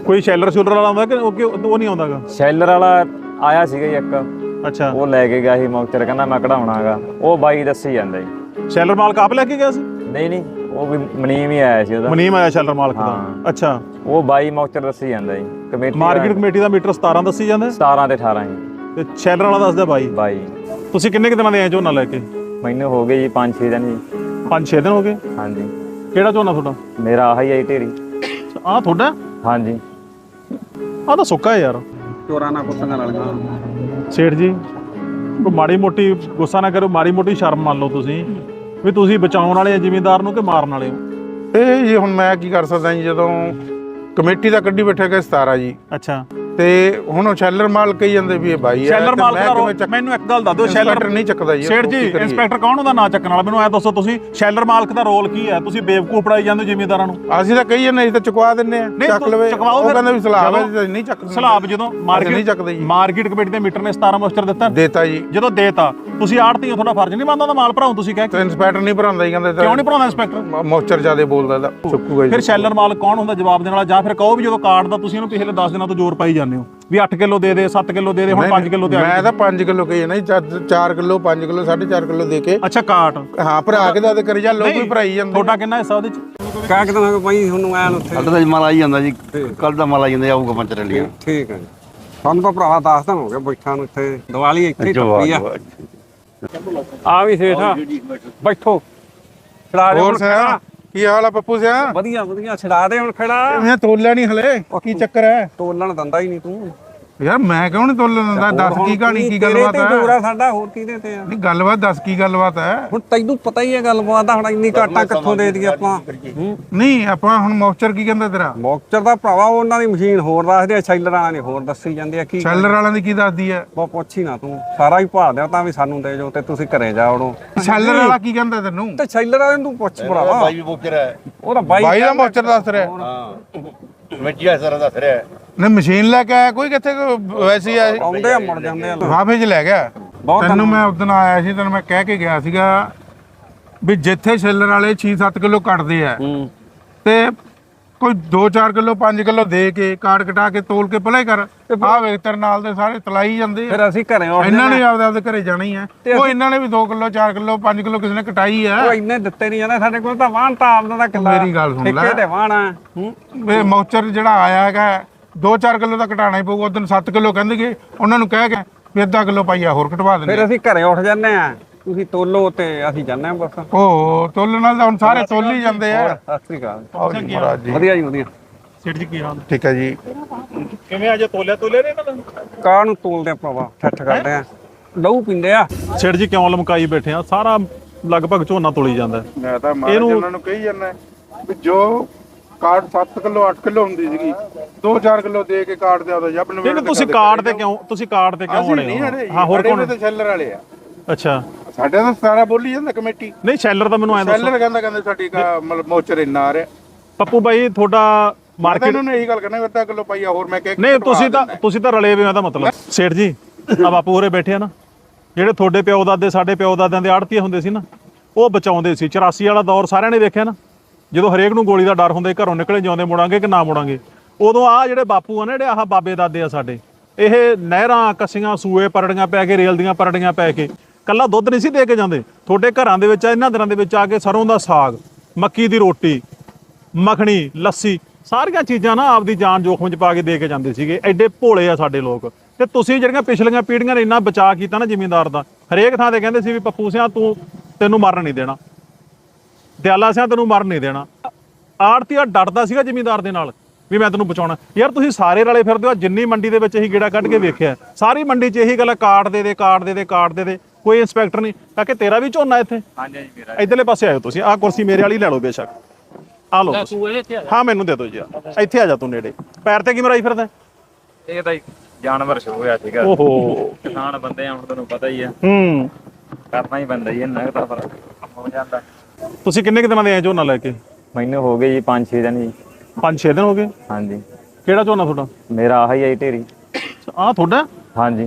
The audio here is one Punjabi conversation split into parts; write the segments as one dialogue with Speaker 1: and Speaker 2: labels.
Speaker 1: ਕੋਈ ਸ਼ੈਲਰ ਸ਼ੂਲਰ ਵਾਲਾ ਆਉਂਦਾ ਕਿ ਉਹ ਨਹੀਂ ਆਉਂਦਾਗਾ?
Speaker 2: ਸ਼ੈਲਰ ਵਾਲਾ ਆਇਆ ਸੀਗਾ ਜੀ ਇੱਕ।
Speaker 1: ਅੱਛਾ,
Speaker 2: ਉਹ ਲੈ ਕੇ ਗਿਆ ਸੀ ਮੌਕਚਰ, ਕਹਿੰਦਾ ਮੈਂ ਕਢਾਉਣਾਗਾ। ਉਹ ਬਾਈ ਦੱਸੀ ਜਾਂਦਾ ਜੀ।
Speaker 1: ਸ਼ੈਲਰ ਮਾਲਕ ਆਪ ਲੈ ਕੇ ਗਿਆ ਸੀ?
Speaker 2: ਨਹੀਂ, ਉਹ ਵੀ ਮਨੀਮ ਹੀ ਆਇਆ ਸੀ ਉਹਦਾ।
Speaker 1: ਮਨੀਮ ਆਇਆ ਸ਼ੈਲਰ ਮਾਲਕ ਦਾ? ਅੱਛਾ,
Speaker 2: ਉਹ ਬਾਈ ਮੌਕਚਰ ਦੱਸੀ ਜਾਂਦਾ ਜੀ। ਕਮੇਟੀ
Speaker 1: ਮਾਰਕੀਟ ਕਮੇਟੀ ਦਾ ਮੀਟਰ 17 ਦੱਸੀ ਜਾਂਦਾ?
Speaker 2: 17 ਤੇ 18 ਜੀ।
Speaker 1: ਤੇ ਸ਼ੈਲਰ ਵਾਲਾ ਦੱਸਦਾ ਬਾਈ। ਤੁਸੀਂ ਕਿੰਨੇ ਕੁ ਦਿਨਾਂ ਦੇ ਆਏ ਝੋਨਾ ਲੈ ਕੇ?
Speaker 2: ਮੈਨੂੰ ਹੋ ਗਏ ਜੀ 5-6 ਦਿਨ ਜੀ।
Speaker 1: 5-6 ਦਿਨ ਹੋ ਗਏ?
Speaker 2: ਹਾਂਜੀ।
Speaker 1: ਕਿਹੜਾ ਝੋਨਾ ਤੁਹਾਡਾ?
Speaker 2: ਮੇਰਾ ਆਹੀ ਆਈ ਢੇਰੀ।
Speaker 1: ਆਹ ਤੁਹਾਡਾ?
Speaker 2: ਹਾਂਜੀ।
Speaker 1: ਆਹ ਤਾਂ ਸੁੱਕਾ ਹੈ ਯਾਰ।
Speaker 3: ਚੋਰਾਂ ਨਾਲ ਕੁੱਤਿਆਂ ਨਾਲ
Speaker 1: ਸੇਠ ਜੀ, ਮਾੜੀ ਮੋਟੀ ਗੁੱਸਾ ਨਾ ਕਰੋ, ਮਾੜੀ ਮੋਟੀ ਸ਼ਰਮ ਮੰਨ ਲਓ ਤੁਸੀਂ ਵੀ ਤੁਸੀਂ ਬਚਾਉਣ ਵਾਲੇ ਆ ਜ਼ਿਮੀਂਦਾਰ ਨੂੰ ਕਿ ਮਾਰਨ ਵਾਲੇ ਹੋ?
Speaker 4: ਇਹ ਜੀ ਹੁਣ ਮੈਂ ਕੀ ਕਰ ਸਕਦਾ ਜੀ, ਜਦੋਂ ਕਮੇਟੀ ਦਾ ਕੱਢੀ ਬੈਠੇ ਗਏ 17 ਜੀ।
Speaker 1: ਅੱਛਾ,
Speaker 4: ਤੇ ਹੁਣ ਉਹ ਸ਼ੈਲਰ ਮਾਲਕ ਕਹੀ ਜਾਂਦੇ ਵੀ ਇਹ ਬਾਈ ਹੈ।
Speaker 1: ਸ਼ੈਲਰ ਮਾਲਕ ਦਾ ਰੋਲ ਮੈਨੂੰ ਇੱਕ ਗੱਲ ਦੱਸ ਦਿਓ। ਸ਼ੈਲਰ
Speaker 4: ਨਹੀਂ ਚੱਕਦਾ ਜੀ
Speaker 1: ਸੇਠ ਜੀ, ਇੰਸਪੈਕਟਰ ਕੌਣ ਹੁੰਦਾ ਨਾ ਚੱਕਣ ਵਾਲਾ? ਮੈਨੂੰ ਐ ਦੱਸੋ, ਤੁਸੀਂ ਸ਼ੈਲਰ ਮਾਲਕ ਦਾ ਰੋਲ ਕੀ ਹੈ? ਤੁਸੀਂ ਬੇਵਕੂਫ ਪੜਾਈ ਜਾਂਦੇ ਜ਼ਿਮੀਂਦਾਰਾਂ ਨੂੰ।
Speaker 4: ਅਸੀਂ ਤਾਂ ਕਹੀ ਜਾਂਦੇ, ਅਸੀਂ ਤਾਂ ਚੁਕਵਾ ਦਿੰਨੇ ਆ, ਚੱਕ ਲਵੇ। ਉਹ ਕਹਿੰਦਾ ਵੀ ਸਲਾਬ ਹੈ, ਨਹੀਂ ਚੱਕਦੇ।
Speaker 1: ਸਲਾਬ ਜਦੋਂ
Speaker 4: ਨਹੀਂ ਚੱਕਦੇ ਜੀ।
Speaker 1: ਮਾਰਕੀਟ ਕਮੇਟੀ ਦੇ ਮੀਟਰ ਨੇ 17 ਮੋਸਟਰ
Speaker 4: ਦਿੱਤਾ ਜੀ।
Speaker 1: ਜਦੋਂ ਦੇਤਾ, ਤੁਸੀਂ ਆੜਤੀ ਹੋ, ਤੁਹਾਡਾ ਫਰਜ਼ ਨਹੀਂ ਬਣਦਾ ਮਾਲ ਭਰਾਉ? ਤੁਸੀਂ ਕਹਿ
Speaker 4: ਤੇ ਇੰਸਪੈਕਟਰ ਨਹੀਂ ਭਰਾਉਂਦਾ ਜੀ, ਕਹਿੰਦੇ
Speaker 1: ਕਿਉਂ ਨਹੀਂ ਭਰਾਉਂਦਾ ਇੰਸਪੈਕਟਰ?
Speaker 4: ਮੋਸਟਰ ਜ਼ਿਆਦਾ ਬੋਲਦਾ ਤਾਂ ਸੁੱਕੂਗਾ ਜੀ।
Speaker 1: ਫਿਰ ਸ਼ੈਲਰ ਮਾਲਕ ਕੌਣ ਹੁੰਦਾ ਜਵਾਬ ਦੇਣ ਵਾਲਾ? ਜਾਂ ਫਿਰ ਕਹੋ ਵੀ ਜਦੋਂ ਕਾਰਡ ਦਾ ਤੁਸੀਂ ਇਹਨੂੰ ਪਿਛਲੇ 10 ਦਿਨਾਂ ਤੋਂ ਜ਼ੋਰ ਪਾਈ ਜਾਂਦੇ ਹੋ ਵੀ 8 ਕਿਲੋ ਦੇ ਦੇ, 7 ਕਿਲੋ ਦੇ ਦੇ, ਹੁਣ 5 ਕਿਲੋ ਦੇ।
Speaker 4: ਮੈਂ ਤਾਂ 5 ਕਿਲੋ ਕਹੀ ਨਾ ਜੀ, 4 ਕਿਲੋ 5 ਕਿਲੋ 4.5 ਕਿਲੋ ਦੇ ਕੇ।
Speaker 1: ਅੱਛਾ, ਕਾਟ
Speaker 4: ਹਾਂ, ਭਰਾ ਕੇ ਦੱਸ ਕਰੀ ਜਾ, ਲੋਕ ਵੀ ਭਰਾਈ ਜਾਂਦੇ।
Speaker 1: ਤੁਹਾਡਾ ਕਿੰਨਾ ਹਿੱਸਾ ਉਹਦੇ ਚ?
Speaker 3: ਕਾਹ ਕਿਦਾਂ ਹੋ ਭਾਈ ਤੁਹਾਨੂੰ ਆਇਆ ਉੱਥੇ?
Speaker 5: ਕੱਲ ਦਾ ਮਾਲ ਆਈ ਜਾਂਦਾ ਜੀ, ਕੱਲ ਦਾ ਮਾਲ ਆਈ ਜਾਂਦਾ, ਆਊਗਾ ਪੰਚਰ ਲਿਆ।
Speaker 3: ਠੀਕ ਹੈ ਜੀ। ਸਾਨੂੰ ਤਾਂ ਭਰਾਵਾ 10 ਦਿਨ ਹੋ ਗਏ ਬੈਠਾ ਨੂੰ ਇੱਥੇ। ਦੀਵਾਲੀ ਇੱਥੇ ਹੀ ਟੱਪੀ ਆ ਵੀ ਸੇਠਾ ਬੈਠੋ। ਛੜਾ ਦੇ
Speaker 4: ਹੋਰ ਸਿਆ, ਕੀ ਹਾਲ ਆ ਪੱਪੂ ਸਿਆ?
Speaker 3: ਵਧੀਆ ਵਧੀਆ, ਛੜਾ ਦੇ ਹੁਣ ਖੜਾ।
Speaker 4: ਮੈਂ ਤੋਲਿਆ ਨਹੀਂ ਹਲੇ, ਕੀ ਚੱਕਰ ਹੈ?
Speaker 3: ਤੋਲਣ ਦਿੰਦਾ ਹੀ ਨਹੀਂ ਤੂੰ
Speaker 4: ਯਾਰ ਮੈਂ ਕਿਉਂ ਨਹੀਂ ਤੋਲਣ ਦਿੰਦਾ? ਦੱਸ ਕੀ ਕਹਾਣੀ, ਕੀ ਗੱਲਬਾਤ ਹੈ?
Speaker 3: ਤੇਰਾ ਸਾਡਾ ਹੋਰ ਕਿਹਦੇ ਤੇ ਆ?
Speaker 4: ਨਹੀਂ ਗੱਲਬਾਤ ਦੱਸ, ਕੀ ਗੱਲਬਾਤ ਹੈ?
Speaker 3: ਹੁਣ ਤੈਨੂੰ ਪਤਾ ਹੀ ਹੈ ਗੱਲਬਾਤ ਦਾ। ਹੁਣ ਇੰਨੀ ਘਾਟਾ ਕਿੱਥੋਂ ਦੇ ਦਈਏ ਆਪਾਂ?
Speaker 4: ਨਹੀਂ ਆਪਾਂ ਹੁਣ ਮੌਕਚਰ ਕੀ ਕਹਿੰਦਾ ਤੇਰਾ?
Speaker 3: ਮੌਕਚਰ ਦਾ ਭਰਾਵਾ ਉਹਨਾਂ ਦੀ ਮਸ਼ੀਨ ਹੋਰ ਦੱਸਦੇ ਆ, ਸ਼ੈਲਰ ਵਾਲਿਆਂ ਨੇ ਹੋਰ ਦੱਸੀ ਜਾਂਦੇ ਆ। ਕੀ
Speaker 4: ਸ਼ੈਲਰ ਵਾਲਿਆਂ ਦੀ ਕੀ ਦੱਸਦੀ ਹੈ?
Speaker 3: ਬਹੁਤ ਪੁੱਛ ਹੀ ਨਾ ਤੂੰ, ਸਾਰਾ ਹੀ ਭਾਲ ਦਿਆ ਤਾਂ ਵੀ ਸਾਨੂੰ ਦੇ ਜਾਓ ਤੇ ਤੁਸੀਂ ਘਰੇ ਜਾਓ।
Speaker 4: ਸ਼ੈਲਰ ਵਾਲਾ ਕੀ ਕਹਿੰਦਾ ਤੈਨੂੰ?
Speaker 3: ਤੇ ਸ਼ੈਲਰ ਵਾਲੇ ਨੂੰ ਤੂੰ ਪੁੱਛ ਭਰਾਵਾ।
Speaker 5: ਬਾਈ ਵੀ ਮੌਕਰ ਹੈ,
Speaker 3: ਉਹਦਾ ਬਾਈ
Speaker 4: ਦਾ ਮੌਕਚਰ ਦੱਸ ਰਿਹਾ।
Speaker 5: ਹਾਂ ਕਮੇਟੀ ਆ ਸਾਰਾ ਦੱਸ ਰਿਹਾ।
Speaker 4: ਨੇ ਮਸ਼ੀਨ ਲੈ ਕੇ ਆਇਆ ਕੋਈ? ਕਿੱਥੇ ਵੈਸੇ ਹੀ ਆਇਆ?
Speaker 3: ਆਉਂਦੇ ਆ ਮੁੜ ਜਾਂਦੇ ਆ।
Speaker 4: ਵਾਫੇ 'ਚ ਲੈ ਗਿਆ ਤੈਨੂੰ। ਮੈਂ ਉਦੋਂ ਆਇਆ ਸੀ, ਤੈਨੂੰ ਮੈਂ ਕਹਿ ਕੇ ਗਿਆ ਸੀਗਾ ਵੀ ਜਿੱਥੇ ਸ਼ੈਲਰ ਵਾਲੇ 6-7 ਕਿਲੋ ਕੱਟਦੇ ਆ ਤੇ ਕੋਈ 2-4 ਕਿਲੋ 5 ਕਿਲੋ ਦੇ ਕੇ ਕਾਰਡ ਕਟਾ ਕੇ ਤੋਲ ਕੇ ਭਲੇ ਕਰ। ਆਹ ਵੇਖ ਤੇਰੇ ਨਾਲ ਦੇ ਸਾਰੇ ਤਲਾਈ ਜਾਂਦੇ ਆ।
Speaker 3: ਫਿਰ ਅਸੀਂ ਘਰੇ ਉੱਠ
Speaker 4: ਇਹਨਾਂ ਨੇ ਆਪਦੇ ਘਰੇ ਜਾਣਾ ਹੀ ਆ। ਉਹ ਇਹਨਾਂ ਨੇ ਵੀ 2 ਕਿਲੋ 4 ਕਿਲੋ 5 ਕਿਲੋ ਕਿਸੇ ਨੇ ਕਟਾਈ ਆ।
Speaker 3: ਉਹ ਇੰਨੇ ਦਿੱਤੇ ਨਹੀਂ ਜਾਂਦੇ ਸਾਡੇ ਕੋਲ ਤਾਂ। ਵਾਹਣ ਤਾਂ ਆਪਦਾ ਦਾ ਕਿੱਲਾ।
Speaker 4: ਮੇਰੀ ਗੱਲ ਸੁਣ ਲੈ,
Speaker 3: ਠੇਕੇ ਤੇ ਵਾਹਣ ਆ।
Speaker 4: ਇਹ ਮੌਚਰ ਜਿਹੜਾ ਆਇਆ ਹੈਗਾ 2-4 ਕਿਲੋ ਦਾ ਕਟਾਣਾ ਹੀ ਪਊਗਾ। ਉਦੋਂ 7 ਕਿਲੋ ਕਹਿੰਦੇ, ਉਹਨਾਂ ਨੂੰ ਕਹਿ ਕੇ ਵੀ ਅੱਧਾ ਕਿਲੋ ਪਾਈਆ ਹੋਰ ਕਟਵਾ ਦਿੰਦੇ।
Speaker 3: ਫਿਰ ਅਸੀਂ ਘਰੇ ਉੱਠ ਜਾਂਦੇ ਆ, ਤੁਸੀਂ ਤੋਲੋ ਤੇ ਅਸੀਂ ਜਾਂਦੇ ਆ ਬਸ।
Speaker 4: ਉਹ ਤੋਲਣ ਨਾਲ ਤਾਂ ਹੁਣ ਸਾਰੇ ਤੋਲ ਹੀ ਜਾਂਦੇ ਆ।
Speaker 3: ਸਤਿ ਸ੍ਰੀ ਅਕਾਲ।
Speaker 4: ਮਹਾਰਾਜ ਜੀ
Speaker 3: ਵਧੀਆ ਜੀ ਵਧੀਆ।
Speaker 1: ਸੇਠ ਜੀ ਕੀ ਹਾਲ?
Speaker 4: ਠੀਕ ਹੈ ਜੀ।
Speaker 1: ਕਿਵੇਂ ਅੱਜ ਤੋਲਿਆ ਨੇ ਇਹਨਾਂ ਨੂੰ?
Speaker 3: ਕਾਹ ਨੂੰ ਤੋਲਦੇ ਆ ਭਰਾਵਾ, ਠੱਠ ਕਰਦੇ ਆ, ਲਹੂ ਪੀਂਦੇ ਆ।
Speaker 1: ਸੇਠ ਜੀ ਕਿਉਂ ਲਮਕਾਈ ਬੈਠੇ ਆ? ਸਾਰਾ ਲਗਭਗ ਝੋਨਾ ਤੋਲੀ ਜਾਂਦਾ।
Speaker 4: ਮੈਂ ਤਾਂ ਇਹਨਾਂ ਨੂੰ ਕਹੀ ਜਾਂਦਾ ਵੀ ਜੋ ਕਾਰਡ 7 ਕਿਲੋ 8 ਕਿਲੋ ਹੁੰਦੀ ਸੀਗੀ, 2-4 ਕਿਲੋ ਦੇ ਕੇ ਕਾਰਡ ਦੇ ਆਉਂਦਾ ਜੱਬ ਨੂੰ।
Speaker 1: ਨਹੀਂ, ਤੁਸੀਂ ਕਾਰਡ ਤੇ ਕਿਉਂ ਆਉਣੇ ਹੋ? ਹਾਂ, ਹੋਰ ਕੌਣ?
Speaker 4: ਤੇ ਸ਼ੈਲਰ ਵਾਲੇ ਆ।
Speaker 1: ਅੱਛਾ,
Speaker 4: ਸਾਡੇ ਤਾਂ 17 ਬੋਲੀ ਜਾਂਦਾ ਕਮੇਟੀ।
Speaker 1: ਨਹੀਂ ਸ਼ੈਲਰ ਤਾਂ ਮੈਨੂੰ ਐਂ ਦੱਸੋ।
Speaker 4: ਸ਼ੈਲਰ ਕਹਿੰਦਾ ਸਾਡੀ ਮਤਲਬ ਮੋਚਰ ਇੰਨਾ ਆ ਰਿਹਾ।
Speaker 1: ਪੱਪੂ ਬਾਈ ਤੁਹਾਡਾ ਮਾਰਕੀਟ
Speaker 4: ਨੂੰ ਇਹੀ ਗੱਲ ਕਰਨਾ, ਅੱਧਾ ਕਿਲੋ ਪਾਈਆ ਹੋਰ ਮੈਂ ਕਹਿ।
Speaker 1: ਨਹੀਂ, ਤੁਸੀਂ ਤਾਂ ਰਲੇ ਵੇ ਆ ਦਾ ਮਤਲਬ। ਸੇਠ ਜੀ, ਆ ਬਾਪੂ ਹੋਰੇ ਬੈਠੇ ਆ ਨਾ, ਜਿਹੜੇ ਤੁਹਾਡੇ ਪਿਓ ਦਾਦੇ ਸਾਡੇ ਪਿਓ ਦਾਦਿਆਂ ਦੇ ਆੜਤੀਏ ਹੁੰਦੇ ਸੀ ਨਾ, ਉਹ ਬਚਾਉਂਦੇ ਸੀ। 84 ਵਾਲਾ ਦੌਰ ਸਾਰਿਆਂ ਨੇ ਵੇਖਿਆ ਨਾ, ਜਦੋਂ ਹਰੇਕ ਨੂੰ ਗੋਲੀ ਦਾ ਡਰ ਹੁੰਦਾ, ਘਰੋਂ ਨਿਕਲੇ ਜਾਂਦੇ ਮੁੜਾਂਗੇ ਕਿ ਨਾ ਮੁੜਾਂਗੇ। ਉਦੋਂ ਆ ਜਿਹੜੇ ਬਾਪੂ ਆ ਨਾ, ਜਿਹੜੇ ਆਹ ਬਾਬੇ ਦਾਦੇ ਆ ਸਾਡੇ, ਇਹ ਨਹਿਰਾਂ ਕੱਸੀਆਂ ਸੂਏ ਪਰੜੀਆਂ ਪੈ ਕੇ, ਰੇਲ ਦੀਆਂ ਪਰੜੀਆਂ ਪੈ ਕੇ ਕੱਲਾ ਦੁੱਧ ਨਹੀਂ ਸੀ ਦੇ ਕੇ ਜਾਂਦੇ। ਤੁਹਾਡੇ ਘਰਾਂ ਦੇ ਵਿੱਚ ਇਹਨਾਂ ਦਿਨਾਂ ਦੇ ਵਿੱਚ ਆ ਕੇ ਸਰੋਂ ਦਾ ਸਾਗ, ਮੱਕੀ ਦੀ ਰੋਟੀ, ਮੱਖਣੀ, ਲੱਸੀ, ਸਾਰੀਆਂ ਚੀਜ਼ਾਂ ਨਾ ਆਪਦੀ ਜਾਨ ਜੋਖਮ 'ਚ ਪਾ ਕੇ ਦੇ ਕੇ ਜਾਂਦੇ ਸੀਗੇ। ਐਡੇ ਭੋਲੇ ਆ ਸਾਡੇ ਲੋਕ। ਤੇ ਤੁਸੀਂ ਜਿਹੜੀਆਂ ਪਿਛਲੀਆਂ ਪੀੜ੍ਹੀਆਂ ਨੇ ਇੰਨਾ ਬਚਾਅ ਕੀਤਾ ਨਾ ਜ਼ਿਮੀਂਦਾਰ ਦਾ, ਹਰੇਕ ਥਾਂ ਤੇ ਕਹਿੰਦੇ ਸੀ ਵੀ ਪੱਪੂ ਸਿਆਂ ਤੈਨੂੰ ਮਰਨ ਨਹੀਂ ਦੇਣਾ, ਦਿਆਲਾ ਸਿਆਂ ਤੈਨੂੰ ਮਰਨ ਨਹੀਂ ਦੇਣਾ। ਆੜਤੀਆ ਡਰਦਾ ਸੀਗਾ ਜ਼ਿਮੀਂਦਾਰ ਦੇ ਨਾਲ ਵੀ ਮੈਂ ਤੈਨੂੰ ਬਚਾਉਣਾ। ਯਾਰ ਤੁਸੀਂ ਸਾਰੇ ਰਲੇ ਫਿਰਦੇ ਹੋ। ਜਿੰਨੀ ਮੰਡੀ ਦੇ ਵਿੱਚ ਇਹੀ ਗੇੜਾ ਕੱਢ ਕੇ ਵੇਖਿਆ, ਸਾਰੀ ਮੰਡੀ 'ਚ ਇਹੀ ਗੱਲ, ਕਾਰਡ ਦੇ ਦੇ, ਕਾਰਡ ਦੇ ਦੇ, ਕਾਰਡ ਦੇ ਦੇ। ਕੋਈ ਇੰਸਪੈਕਟਰ ਨਹੀਂ। ਕਾਕੇ ਤੇਰਾ ਵੀ ਝੋਨਾ ਇੱਥੇ? ਹਾਂਜੀ ਜੀ ਮੇਰਾ। ਇਧਰਲੇ ਪਾਸੇ ਆਇਓ ਤੁਸੀਂ। ਆਹ ਕੁਰਸੀ ਮੇਰੇ ਵਾਲੀ ਲੈ ਲਓ ਬੇਸ਼ੱਕ। ਆ ਲਓ। ਹਾਂ, ਮੈਨੂੰ ਦੇ ਦਿਓ ਜੀ। ਇੱਥੇ ਆ ਜਾ ਤੂੰ ਨੇੜੇ। ਪੈਰ ਤੇ ਕੀ ਮਰਾਈ ਫਿਰਦਾ?
Speaker 2: ਇਹ ਤਾਂ ਜਾਨਵਰ ਸ਼ੁਰੂ ਹੋਇਆ ਸੀਗਾ।
Speaker 1: ਓਹੋ,
Speaker 2: ਕਿਸਾਨ ਬੰਦੇ ਆ, ਹੁਣ ਤੁਹਾਨੂੰ ਪਤਾ ਹੀ ਆ,
Speaker 1: ਹੂੰ,
Speaker 2: ਕਰਨਾ ਹੀ ਪੈਂਦਾ ਜੀ। ਇਹਨਾਂ ਦਾ ਫਰਕ ਹੋ ਜਾਂਦਾ।
Speaker 1: ਤੁਸੀਂ ਕਿੰਨੇ ਕੁ ਦਿਨਾਂ ਦੇ ਆਏ ਝੋਨਾ ਲੈ ਕੇ?
Speaker 2: ਮੈਨੂੰ ਹੋ ਗਏ ਜੀ 5-6 ਦਿਨ ਜੀ।
Speaker 1: 5-6 ਦਿਨ ਹੋ ਗਏ?
Speaker 2: ਹਾਂਜੀ।
Speaker 1: ਕਿਹੜਾ ਝੋਨਾ ਤੁਹਾਡਾ?
Speaker 2: ਮੇਰਾ ਆਹੀ ਆਈ ਢੇਰੀ।
Speaker 1: ਆਹ ਤੁਹਾਡਾ?
Speaker 2: ਹਾਂਜੀ।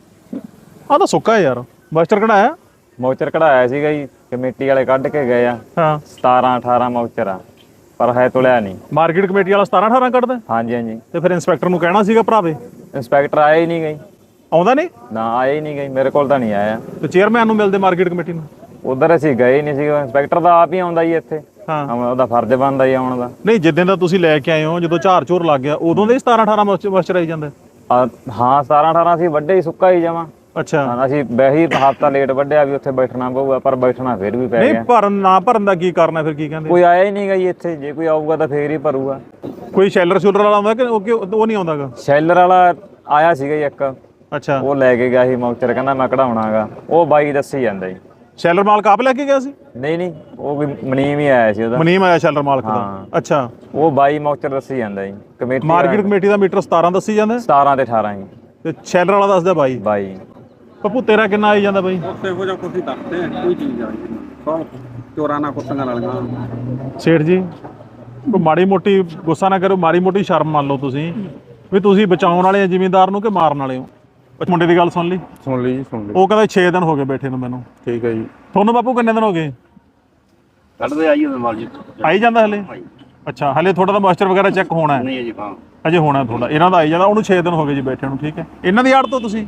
Speaker 1: ਆਹ ਤਾਂ ਸੁੱਕਾ ਯਾਰ। ਮਾਸਟਰ ਕਢਾਇਆ?
Speaker 2: ਮੌਕਚਰ ਕਢਾਇਆ ਸੀਗਾ ਜੀ, ਕਮੇਟੀ ਵਾਲੇ ਕੱਢ ਕੇ ਗਏ ਆ।
Speaker 1: ਹਾਂ,
Speaker 2: 17-18 ਮੌਕਚਰ ਆ। ਪਰ ਹੈ ਤੁਲਿਆ ਨਹੀਂ।
Speaker 1: ਮਾਰਕੀਟ ਕਮੇਟੀ ਵਾਲਾ 17-18 ਕੱਢਦਾ
Speaker 2: ਹਾਂਜੀ ਹਾਂਜੀ।
Speaker 1: ਤੇ ਫਿਰ ਇੰਸਪੈਕਟਰ ਨੂੰ ਕਹਿਣਾ ਸੀਗਾ ਭਰਾਵੇ।
Speaker 2: ਇੰਸਪੈਕਟਰ ਆਇਆ ਹੀ ਨਹੀਂ ਗਈ।
Speaker 1: ਆਉਂਦਾ ਨਹੀਂ
Speaker 2: ਨਾ ਆਇਆ ਹੀ ਨਹੀਂ ਗਈ, ਮੇਰੇ ਕੋਲ ਤਾਂ ਨਹੀਂ ਆਇਆ।
Speaker 1: ਤੇ ਚੇਅਰਮੈਨ ਨੂੰ ਮਿਲਦੇ ਮਾਰਕੀਟ ਕਮੇਟੀ ਨੂੰ।
Speaker 2: ਉਧਰ ਅਸੀਂ ਗਏ ਨਹੀਂ ਸੀਗੇ। ਇੰਸਪੈਕਟਰ ਦਾ ਆਪ ਹੀ ਆਉਂਦਾ ਜੀ ਇੱਥੇ।
Speaker 1: ਹਾਂ
Speaker 2: ਉਹਦਾ ਫਰਜ਼ ਬਣਦਾ ਜੀ ਆਉਣ ਦਾ।
Speaker 1: ਨਹੀਂ ਜਿੱਦਾਂ ਦਾ ਤੁਸੀਂ ਲੈ ਕੇ ਆਏ ਹੋ, ਜਦੋਂ ਝਾਰ ਝੂਰ ਲੱਗ ਗਿਆ ਉਦੋਂ ਦੇ 17-18 ਮੋਇਸਚਰ ਆਈ ਜਾਂਦਾ।
Speaker 2: ਹਾਂ 17-18 ਅਸੀਂ ਵੱਡੇ ਹੀ ਸੁੱਕਾ ਹੀ ਜਾਵਾਂ।
Speaker 1: ਅੱਛਾ
Speaker 2: ਅਸੀਂ ਵੈਸੇ ਹਫ਼ਤਾ ਲੇਟ ਵੱਢਿਆ ਵੀ ਉੱਥੇ ਬੈਠਣਾ ਪਊਗਾ, ਪਰ ਬੈਠਣਾ ਫਿਰ ਵੀ ਪੈ ਗਿਆ।
Speaker 1: ਨਹੀਂ ਭਰਨ ਨਾ ਭਰਨ ਦਾ ਕੀ ਕਰਨਾ ਫਿਰ? ਕੀ ਕਹਿੰਦੇ
Speaker 2: ਕੋਈ ਆਇਆ ਹੀ ਨਹੀਂ ਗਾ ਜੀ ਇੱਥੇ। ਜੇ ਕੋਈ ਆਊਗਾ ਤਾਂ ਫੇਰ ਹੀ ਭਰੂਗਾ।
Speaker 1: ਕੋਈ ਸ਼ੈਲਰ ਸ਼ੂਲਰ ਵਾਲਾ ਆਉਂਦਾ ਕਿ ਉਹ ਨਹੀਂ ਆਉਂਦਾਗਾ?
Speaker 2: ਸ਼ੈਲਰ ਵਾਲਾ ਆਇਆ ਸੀਗਾ ਜੀ ਇੱਕ,
Speaker 1: ਅੱਛਾ
Speaker 2: ਉਹ ਲੈ ਕੇ ਗਿਆ ਸੀ ਮੌਕਚਰ, ਕਹਿੰਦਾ ਮੈਂ ਕਢਾਉਣਾਗਾ। ਉਹ ਬਾਈ ਦੱਸੀ ਜਾਂਦਾ ਜੀ।
Speaker 1: ਸ਼ੈਲਰ ਮਾਲਕ ਆਪ ਲੈ ਕੇ ਗਿਆ ਸੀ?
Speaker 2: ਨਹੀਂ ਉਹ ਵੀ ਮਨੀਮ ਹੀ ਆਇਆ ਸੀ ਉਹਦਾ।
Speaker 1: ਮਨੀਮ ਆਇਆ ਸ਼ੈਲਰ ਮਾਲਕ ਦਾ?
Speaker 2: ਹਾਂ।
Speaker 1: ਅੱਛਾ
Speaker 2: ਉਹ ਬਾਈ ਮੌਕਚਰ ਦੱਸੀ ਜਾਂਦਾ ਜੀ। ਕਮੇਟੀ
Speaker 1: ਮਾਰਕੀਟ ਕਮੇਟੀ ਦਾ ਮੀਟਰ 17 ਦੱਸੀ ਜਾਂਦਾ
Speaker 2: 17 ਤੇ 18 ਜੀ।
Speaker 1: ਤੇ ਸ਼ੈਲਰ ਵਾਲਾ ਦੱਸਦਾ ਬਾਈ।
Speaker 2: ਬਾਈ
Speaker 1: ਪੱਪੂ ਤੇਰਾ ਕਿੰਨਾ ਆਈ ਜਾਂਦਾ ਬਾਈ?
Speaker 3: ਉੱਥੇ ਇਹੋ ਜਿਹਾ ਕੁਝ ਦੱਸਦੇ ਆ, ਕੋਈ ਚੀਜ਼ ਆ ਸਭ ਚੋਰਾਂ ਨਾਲ ਕੁੱਤੀਆਂ ਵਾਲੀਆਂ।
Speaker 1: ਸੇਠ ਜੀ ਕੋਈ ਮਾੜੀ ਮੋਟੀ ਗੁੱਸਾ ਨਾ ਕਰੋ, ਮਾੜੀ ਮੋਟੀ ਸ਼ਰਮ ਮੰਨ ਲਓ ਤੁਸੀਂ ਵੀ ਤੁਸੀਂ ਬਚਾਉਣ ਵਾਲੇ ਆ ਜ਼ਿਮੀਂਦਾਰ ਨੂੰ ਕਿ ਮਾਰਨ ਵਾਲੇ ਹੋ। ਮੁੰਡੇ ਦੀ ਗੱਲ ਸੁਣ ਲਈ?
Speaker 4: ਸੁਣ ਲਈ ਜੀ, ਸੁਣ ਲਈ।
Speaker 1: ਉਹ ਕਹਿੰਦਾ 6 ਦਿਨ ਹੋ ਗਏ ਬੈਠੇ ਨੂੰ ਮੈਨੂੰ।
Speaker 4: ਠੀਕ ਹੈ ਜੀ।
Speaker 1: ਤੁਹਾਨੂੰ ਬਾਪੂ ਕਿੰਨੇ ਦਿਨ ਹੋ ਗਏ?
Speaker 5: ਕੱਢਦੇ ਆਈ ਉਹਦੇ ਮਾਲ ਜੀ।
Speaker 1: ਆਈ ਜਾਂਦਾ ਹਲੇ? ਅੱਛਾ ਹਲੇ ਤੁਹਾਡਾ ਤਾਂ ਮਾਸਟਰ ਵਗੈਰਾ ਚੈੱਕ ਹੋਣਾ ਹੈ?
Speaker 5: ਨਹੀਂ ਜੀ, ਹਾਂ
Speaker 1: ਅਜੇ ਹੋਣਾ ਤੁਹਾਡਾ। ਇਹਨਾਂ ਦਾ ਆਈ ਜਾਂਦਾ, ਉਹਨੂੰ 6 ਦਿਨ ਹੋ ਗਏ ਜੀ ਬੈਠੇ ਨੂੰ। ਠੀਕ ਹੈ, ਇਹਨਾਂ ਦੀ ਆੜ ਤੋਂ ਤੁਸੀਂ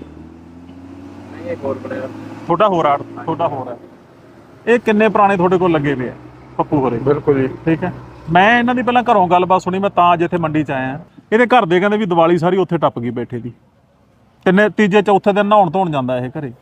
Speaker 1: ਤੁਹਾਡਾ ਹੋਰ ਆੜ, ਤੁਹਾਡਾ ਹੋਰ ਹੈ। ਇਹ ਕਿੰਨੇ ਪੁਰਾਣੇ ਤੁਹਾਡੇ ਕੋਲ ਲੱਗੇ ਪਏ ਆ ਪੱਪੂ ਹੋਰੇ?
Speaker 4: ਬਿਲਕੁਲ ਜੀ।
Speaker 1: ਠੀਕ ਹੈ, ਮੈਂ ਇਹਨਾਂ ਦੀ ਪਹਿਲਾਂ ਘਰੋਂ ਗੱਲਬਾਤ ਸੁਣੀ, ਮੈਂ ਤਾਂ ਅੱਜ ਇੱਥੇ ਮੰਡੀ 'ਚ ਆਇਆ। ਇਹਦੇ ਘਰ ਦੇ ਕਹਿੰਦੇ ਵੀ ਦੀਵਾਲੀ ਸਾਰੀ ਉੱਥੇ ਟੱਪ ਗਈ ਬੈਠੇ ਦੀ। ਤੀਜੇ ਚੌਥੇ ਦਿਨ ਨਹਾਉਣ ਧੋਣ ਜਾਂਦਾ ਇਹ ਘਰੇ।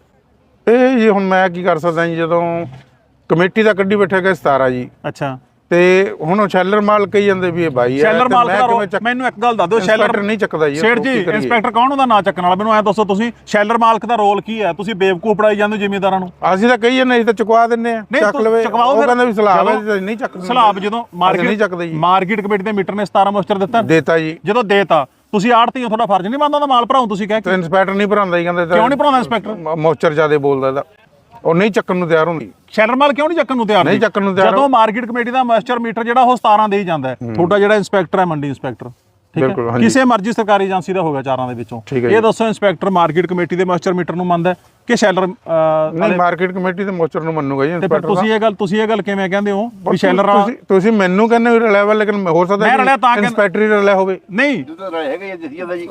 Speaker 4: ਇਹ ਜੀ ਹੁਣ ਮੈਂ ਕੀ ਕਰ ਸਕਦਾ ਜੀ, ਜਦੋਂ ਕਮੇਟੀ ਦਾ ਕੱਢੀ ਬੈਠਾ ਗਿਆ 17 ਜੀ।
Speaker 1: ਅੱਛਾ
Speaker 4: ਤੇ ਹੁਣ ਉਹ ਸ਼ੈਲਰ ਮਾਲਕ ਕਹੀ ਜਾਂਦੇ ਵੀ ਇਹ ਬਾਈ ਹੈ।
Speaker 1: ਸ਼ੈਲਰ ਮਾਲਕ ਦਾ ਮੈਨੂੰ ਇੱਕ ਗੱਲ ਦੱਸ ਦਿਓ, ਸ਼ੈਲਰ
Speaker 4: ਨਹੀਂ ਚੱਕਦਾ ਜੀ।
Speaker 1: ਸੇਠ ਜੀ ਇੰਸਪੈਕਟਰ ਕੌਣ ਉਹਦਾ ਨਾਂ ਚੱਕਣ ਵਾਲਾ? ਮੈਨੂੰ ਐ ਦੱਸੋ ਤੁਸੀਂ, ਸ਼ੈਲਰ ਮਾਲਕ ਦਾ ਰੋਲ ਕੀ ਹੈ? ਤੁਸੀਂ ਬੇਵਕੂਫ ਪੜਾਈ ਜਾਂਦੇ ਜ਼ਿਮੀਂਦਾਰਾਂ ਨੂੰ।
Speaker 4: ਅਸੀਂ ਤਾਂ ਕਹੀ ਜਾਂਦੇ, ਅਸੀਂ ਤਾਂ ਚੁਕਵਾ ਦਿੰਨੇ ਆ, ਚੱਕ ਲਵੇ। ਉਹ ਕਹਿੰਦਾ ਵੀ ਸਲਾਬ ਹੈ, ਨਹੀਂ ਚੱਕਦੇ।
Speaker 1: ਸਲਾਬ ਜਦੋਂ
Speaker 4: ਨਹੀਂ ਚੱਕਦੇ ਜੀ।
Speaker 1: ਮਾਰਕੀਟ ਕਮੇਟੀ ਦੇ ਮੀਟਰ ਨੇ 17 ਮੋਸਟਰ ਦਿੱਤਾ
Speaker 4: ਜੀ।
Speaker 1: ਜਦੋਂ ਦੇਤਾ ਤੁਸੀਂ ਆੜਤੀ ਹੋ, ਤੁਹਾਡਾ ਫਰਜ਼ ਨਹੀਂ ਬਣਦਾ ਉਹਦਾ ਮਾਲ ਭਰਾਉ? ਤੁਸੀਂ ਕਹਿ ਕੇ
Speaker 4: ਇੰਸਪੈਕਟਰ ਨਹੀਂ ਭਰਾਉਂਦਾ ਜੀ। ਕਹਿੰਦੇ
Speaker 1: ਕਿਉਂ ਨਹੀਂ ਭਰਾਉਂਦਾ ਇੰਸਪੈਕਟਰ?
Speaker 4: ਮੋਸਚਰ ਜ਼ਿਆਦਾ ਬੋਲਦਾ ਇਹਦਾ, ਉਹ ਨਹੀਂ ਚੱਕਣ ਨੂੰ ਤਿਆਰ ਹੁੰਦੀ।
Speaker 1: ਸ਼ੈਲਰ ਮਾਲ ਕਿਉਂ ਨਹੀਂ ਚੱਕਣ ਨੂੰ ਤਿਆਰ?
Speaker 4: ਨਹੀਂ ਚੱਕਣ ਨੂੰ ਤਿਆਰ।
Speaker 1: ਜਦੋਂ ਮਾਰਕੀਟ ਕਮੇਟੀ ਦਾ ਮਾਸਟਰ ਮੀਟਰ ਜਿਹੜਾ ਉਹ 17 ਦੇ ਹੀ ਜਾਂਦਾ ਹੈ, ਤੁਹਾਡਾ ਜਿਹੜਾ ਇੰਸਪੈਕਟਰ ਹੈ ਮੰਡੀ ਇੰਸਪੈਕਟਰ, ਠੀਕ ਹੈ, ਕਿਸੇ ਮਰਜ਼ੀ ਸਰਕਾਰੀ ਏਜੰਸੀ ਦਾ ਹੋਗਾ ਚਾਰਾਂ ਦੇ ਵਿੱਚੋਂ। ਇਹ ਦੱਸੋ ਇੰਸਪੈਕਟਰ ਮਾਰਕੀਟ ਕਮੇਟੀ ਦੇ ਮਾਸਟਰ ਮੀਟਰ ਨੂੰ ਮੰਨਦਾ ਕਿ ਸ਼ੈਲਰ?
Speaker 4: ਨਹੀਂ, ਮਾਰਕੀਟ ਕਮੇਟੀ ਦੇ ਮੋਸਚਰ ਨੂੰ ਮੰਨੂਗਾ ਜੀ ਇੰਸਪੈਕਟਰ।
Speaker 1: ਤੁਸੀਂ ਇਹ ਗੱਲ ਕਿਵੇਂ ਕਹਿੰਦੇ ਹੋ ਵੀ ਸ਼ੈਲਰ ਵਾਲਾ?
Speaker 4: ਤੁਸੀਂ ਮੈਨੂੰ ਕਹਿੰਦੇ ਹੋ ਰਲਿਆ ਵਾ, ਲੇਕਿਨ ਹੋ ਸਕਦਾ ਇੰਸਪੈਕਟਰ ਹੀ ਰਲਿਆ ਹੋਵੇ।
Speaker 1: ਨਹੀਂ
Speaker 5: ਹੈਗਾ ਜੀ, ਦੱਸੀ ਜਾਂਦਾ ਜੀ।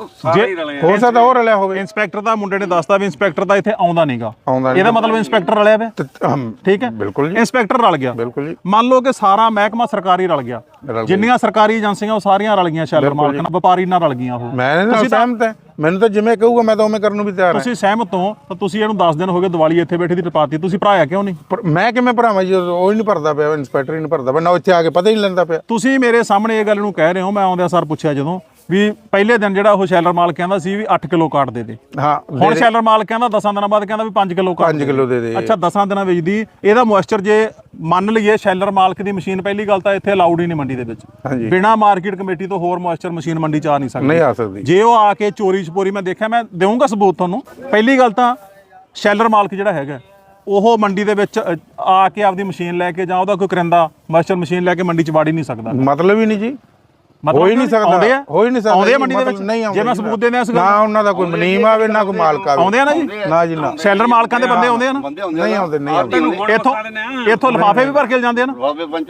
Speaker 4: ਹੋ ਸਕਦਾ ਉਹ ਰਲਿਆ ਹੋਵੇ।
Speaker 1: ਇੰਸਪੈਕਟਰ ਦਾ ਮੁੰਡੇ ਨੇ ਦੱਸਤਾ ਵੀ ਇੰਸਪੈਕਟਰ ਦਾ ਇੱਥੇ ਆਉਂਦਾ ਨਹੀਂਗਾ, ਇਹਦਾ ਮਤਲਬ ਇੰਸਪੈਕਟਰ ਰਲਿਆ ਵੇ। ਠੀਕ ਹੈ,
Speaker 4: ਬਿਲਕੁਲ ਜੀ,
Speaker 1: ਇੰਸਪੈਕਟਰ ਰਲ ਗਿਆ।
Speaker 4: ਬਿਲਕੁਲ ਜੀ।
Speaker 1: ਮੰਨ ਲਓ ਕਿ ਸਾਰਾ ਮਹਿਕਮਾ ਸਰਕਾਰੀ ਰਲ ਗਿਆ, ਜਿੰਨੀਆਂ ਸਰਕਾਰੀ ਏਜੰਸੀਆਂ ਉਹ ਸਾਰੀਆਂ ਰਲ ਗਈਆਂ, ਸ਼ੈਲਰ ਮਾਲਕ ਨਾਲ, ਵਪਾਰੀ ਨਾਲ ਰਲ ਗਈਆਂ। ਉਹ
Speaker 4: ਮੈਂ ਸਹਿਮਤ ਹਾਂ, ਮੈਨੂੰ ਤਾਂ ਜਿਵੇਂ ਕਹੂਗਾ ਮੈਂ ਤਾਂ ਉਵੇਂ ਕਰਨ ਨੂੰ ਵੀ ਤਿਆਰ ਹਾਂ।
Speaker 1: ਤੁਸੀਂ ਸਹਿਮਤ ਹੋ ਤਾਂ ਤੁਸੀਂ ਇਹਨੂੰ 10 ਦਿਨ ਹੋ ਗਏ ਦੀਵਾਲੀ ਇੱਥੇ ਬੈਠੀ ਦੀ ਟਪਾਤੀ, ਤੁਸੀਂ ਭਰਾਇਆ ਕਿਉਂ ਨਹੀਂ?
Speaker 4: ਮੈਂ ਕਿਵੇਂ ਭਰਾਵਾਂ ਜੀ? ਉਹ ਹੀ ਨਹੀਂ ਭਰਦਾ ਪਿਆ, ਇੰਸਪੈਕਟਰ ਹੀ ਨਹੀਂ ਭਰਦਾ ਪਿਆ ਨਾ, ਇੱਥੇ ਆ ਕੇ ਪਤਾ ਹੀ ਨਹੀਂ ਲੈਂਦਾ ਪਿਆ।
Speaker 1: ਤੁਸੀਂ ਮੇਰੇ ਸਾਹਮਣੇ ਇਹ ਗੱਲ ਨੂੰ ਕਹਿ ਰਹੇ ਹੋ, ਮੈਂ ਆਉਂਦਿਆਂ ਸਰ ਪੁੱਛਿਆ ਜਦੋਂ ਵੀ ਪਹਿਲੇ ਦਿਨ ਜਿਹੜਾ ਉਹ ਸ਼ੈਲਰ ਮਾਲਕ ਕਹਿੰਦਾ ਸੀ ਵੀ 8 ਕਿਲੋ ਕਾਟ ਦੇ ਦੇ।
Speaker 4: ਹਾਂ,
Speaker 1: ਹੁਣ ਸ਼ੈਲਰ ਮਾਲਕ ਕਹਿੰਦਾ 10 ਦਿਨਾਂ ਬਾਅਦ ਕਹਿੰਦਾ ਵੀ 5 ਕਿਲੋ ਕਾਟ
Speaker 4: 5 ਕਿਲੋ ਦੇ ਦੇ।
Speaker 1: ਅੱਛਾ 10 ਦਿਨਾਂ ਵਿੱਚ ਦੀ ਇਹਦਾ ਮੋਇਸਚਰ ਜੇ ਮੰਨ ਲਈਏ ਸ਼ੈਲਰ ਮਾਲਕ ਦੀ ਮਸ਼ੀਨ, ਪਹਿਲੀ ਗੱਲ ਤਾਂ ਇੱਥੇ ਅਲਾਉਡ ਹੀ ਨਹੀਂ ਮੰਡੀ ਦੇ ਵਿੱਚ। ਬਿਨਾ ਮਾਰਕੀਟ ਕਮੇਟੀ ਤੋਂ ਹੋਰ ਮੋਇਸਚਰ ਮਸ਼ੀਨ ਮੰਡੀ ਚ ਆ ਨਹੀਂ ਸਕਦੀ।
Speaker 4: ਨਹੀਂ ਆ ਸਕਦੀ।
Speaker 1: ਜੇ ਉਹ ਆ ਕੇ ਚੋਰੀ ਛਪੋਰੀ, ਮੈਂ ਦੇਖਿਆ, ਮੈਂ ਦੇਵਾਂਗਾ ਸਬੂਤ ਤੁਹਾਨੂੰ। ਪਹਿਲੀ ਗੱਲ ਤਾਂ ਸ਼ੈਲਰ ਮਾਲਕ ਜਿਹੜਾ ਹੈਗਾ ਉਹ ਮੰਡੀ ਦੇ ਵਿੱਚ ਆ ਕੇ ਆਪਦੀ ਮਸ਼ੀਨ ਲੈ ਕੇ ਜਾਂ ਉਹਦਾ ਕੋਈ ਕਰਿੰਦਾ ਮੋਇਸਚਰ ਮਸ਼ੀਨ ਲੈ ਕੇ ਮੰਡੀ ਚ ਵਾੜ ਹੀ ਨਹੀਂ ਸਕਦਾ।
Speaker 4: ਮਤਲਬ ਹੀ ਨਹੀਂ ਜੀ, ਹੋ ਹੀ ਨਹੀਂ ਸਕਦਾ। ਹੋ ਹੀ ਨਹੀਂ ਸਕਦਾ।
Speaker 1: ਆਉਂਦੇ ਆ ਮੰਡੀ ਦੇ ਵਿੱਚ? ਜੇ ਮੈਂ ਸਬੂਤ ਦੇ ਦਿਆਂ
Speaker 4: ਨਾ ਉਹਨਾਂ ਦਾ ਕੋਈ ਮਨੀਮ ਆਵੇ ਨਾ ਕੋਈ ਮਾਲਕ ਆਵੇ।
Speaker 1: ਆਉਂਦੇ ਆ ਨਾ ਜੀ?
Speaker 4: ਨਾ ਜੀ ਨਾ।
Speaker 1: ਸ਼ੈਲਰ ਮਾਲਕਾਂ ਦੇ ਬੰਦੇ ਆਉਂਦੇ ਆ ਨਾ?
Speaker 4: ਨਹੀਂ ਆਉਂਦੇ, ਨਹੀਂ ਆਉਂਦੇ।
Speaker 1: ਇੱਥੋਂ ਲਿਫਾਫੇ ਵੀ ਭਰ ਕੇ ਜਾਂਦੇ ਆ ਨਾ।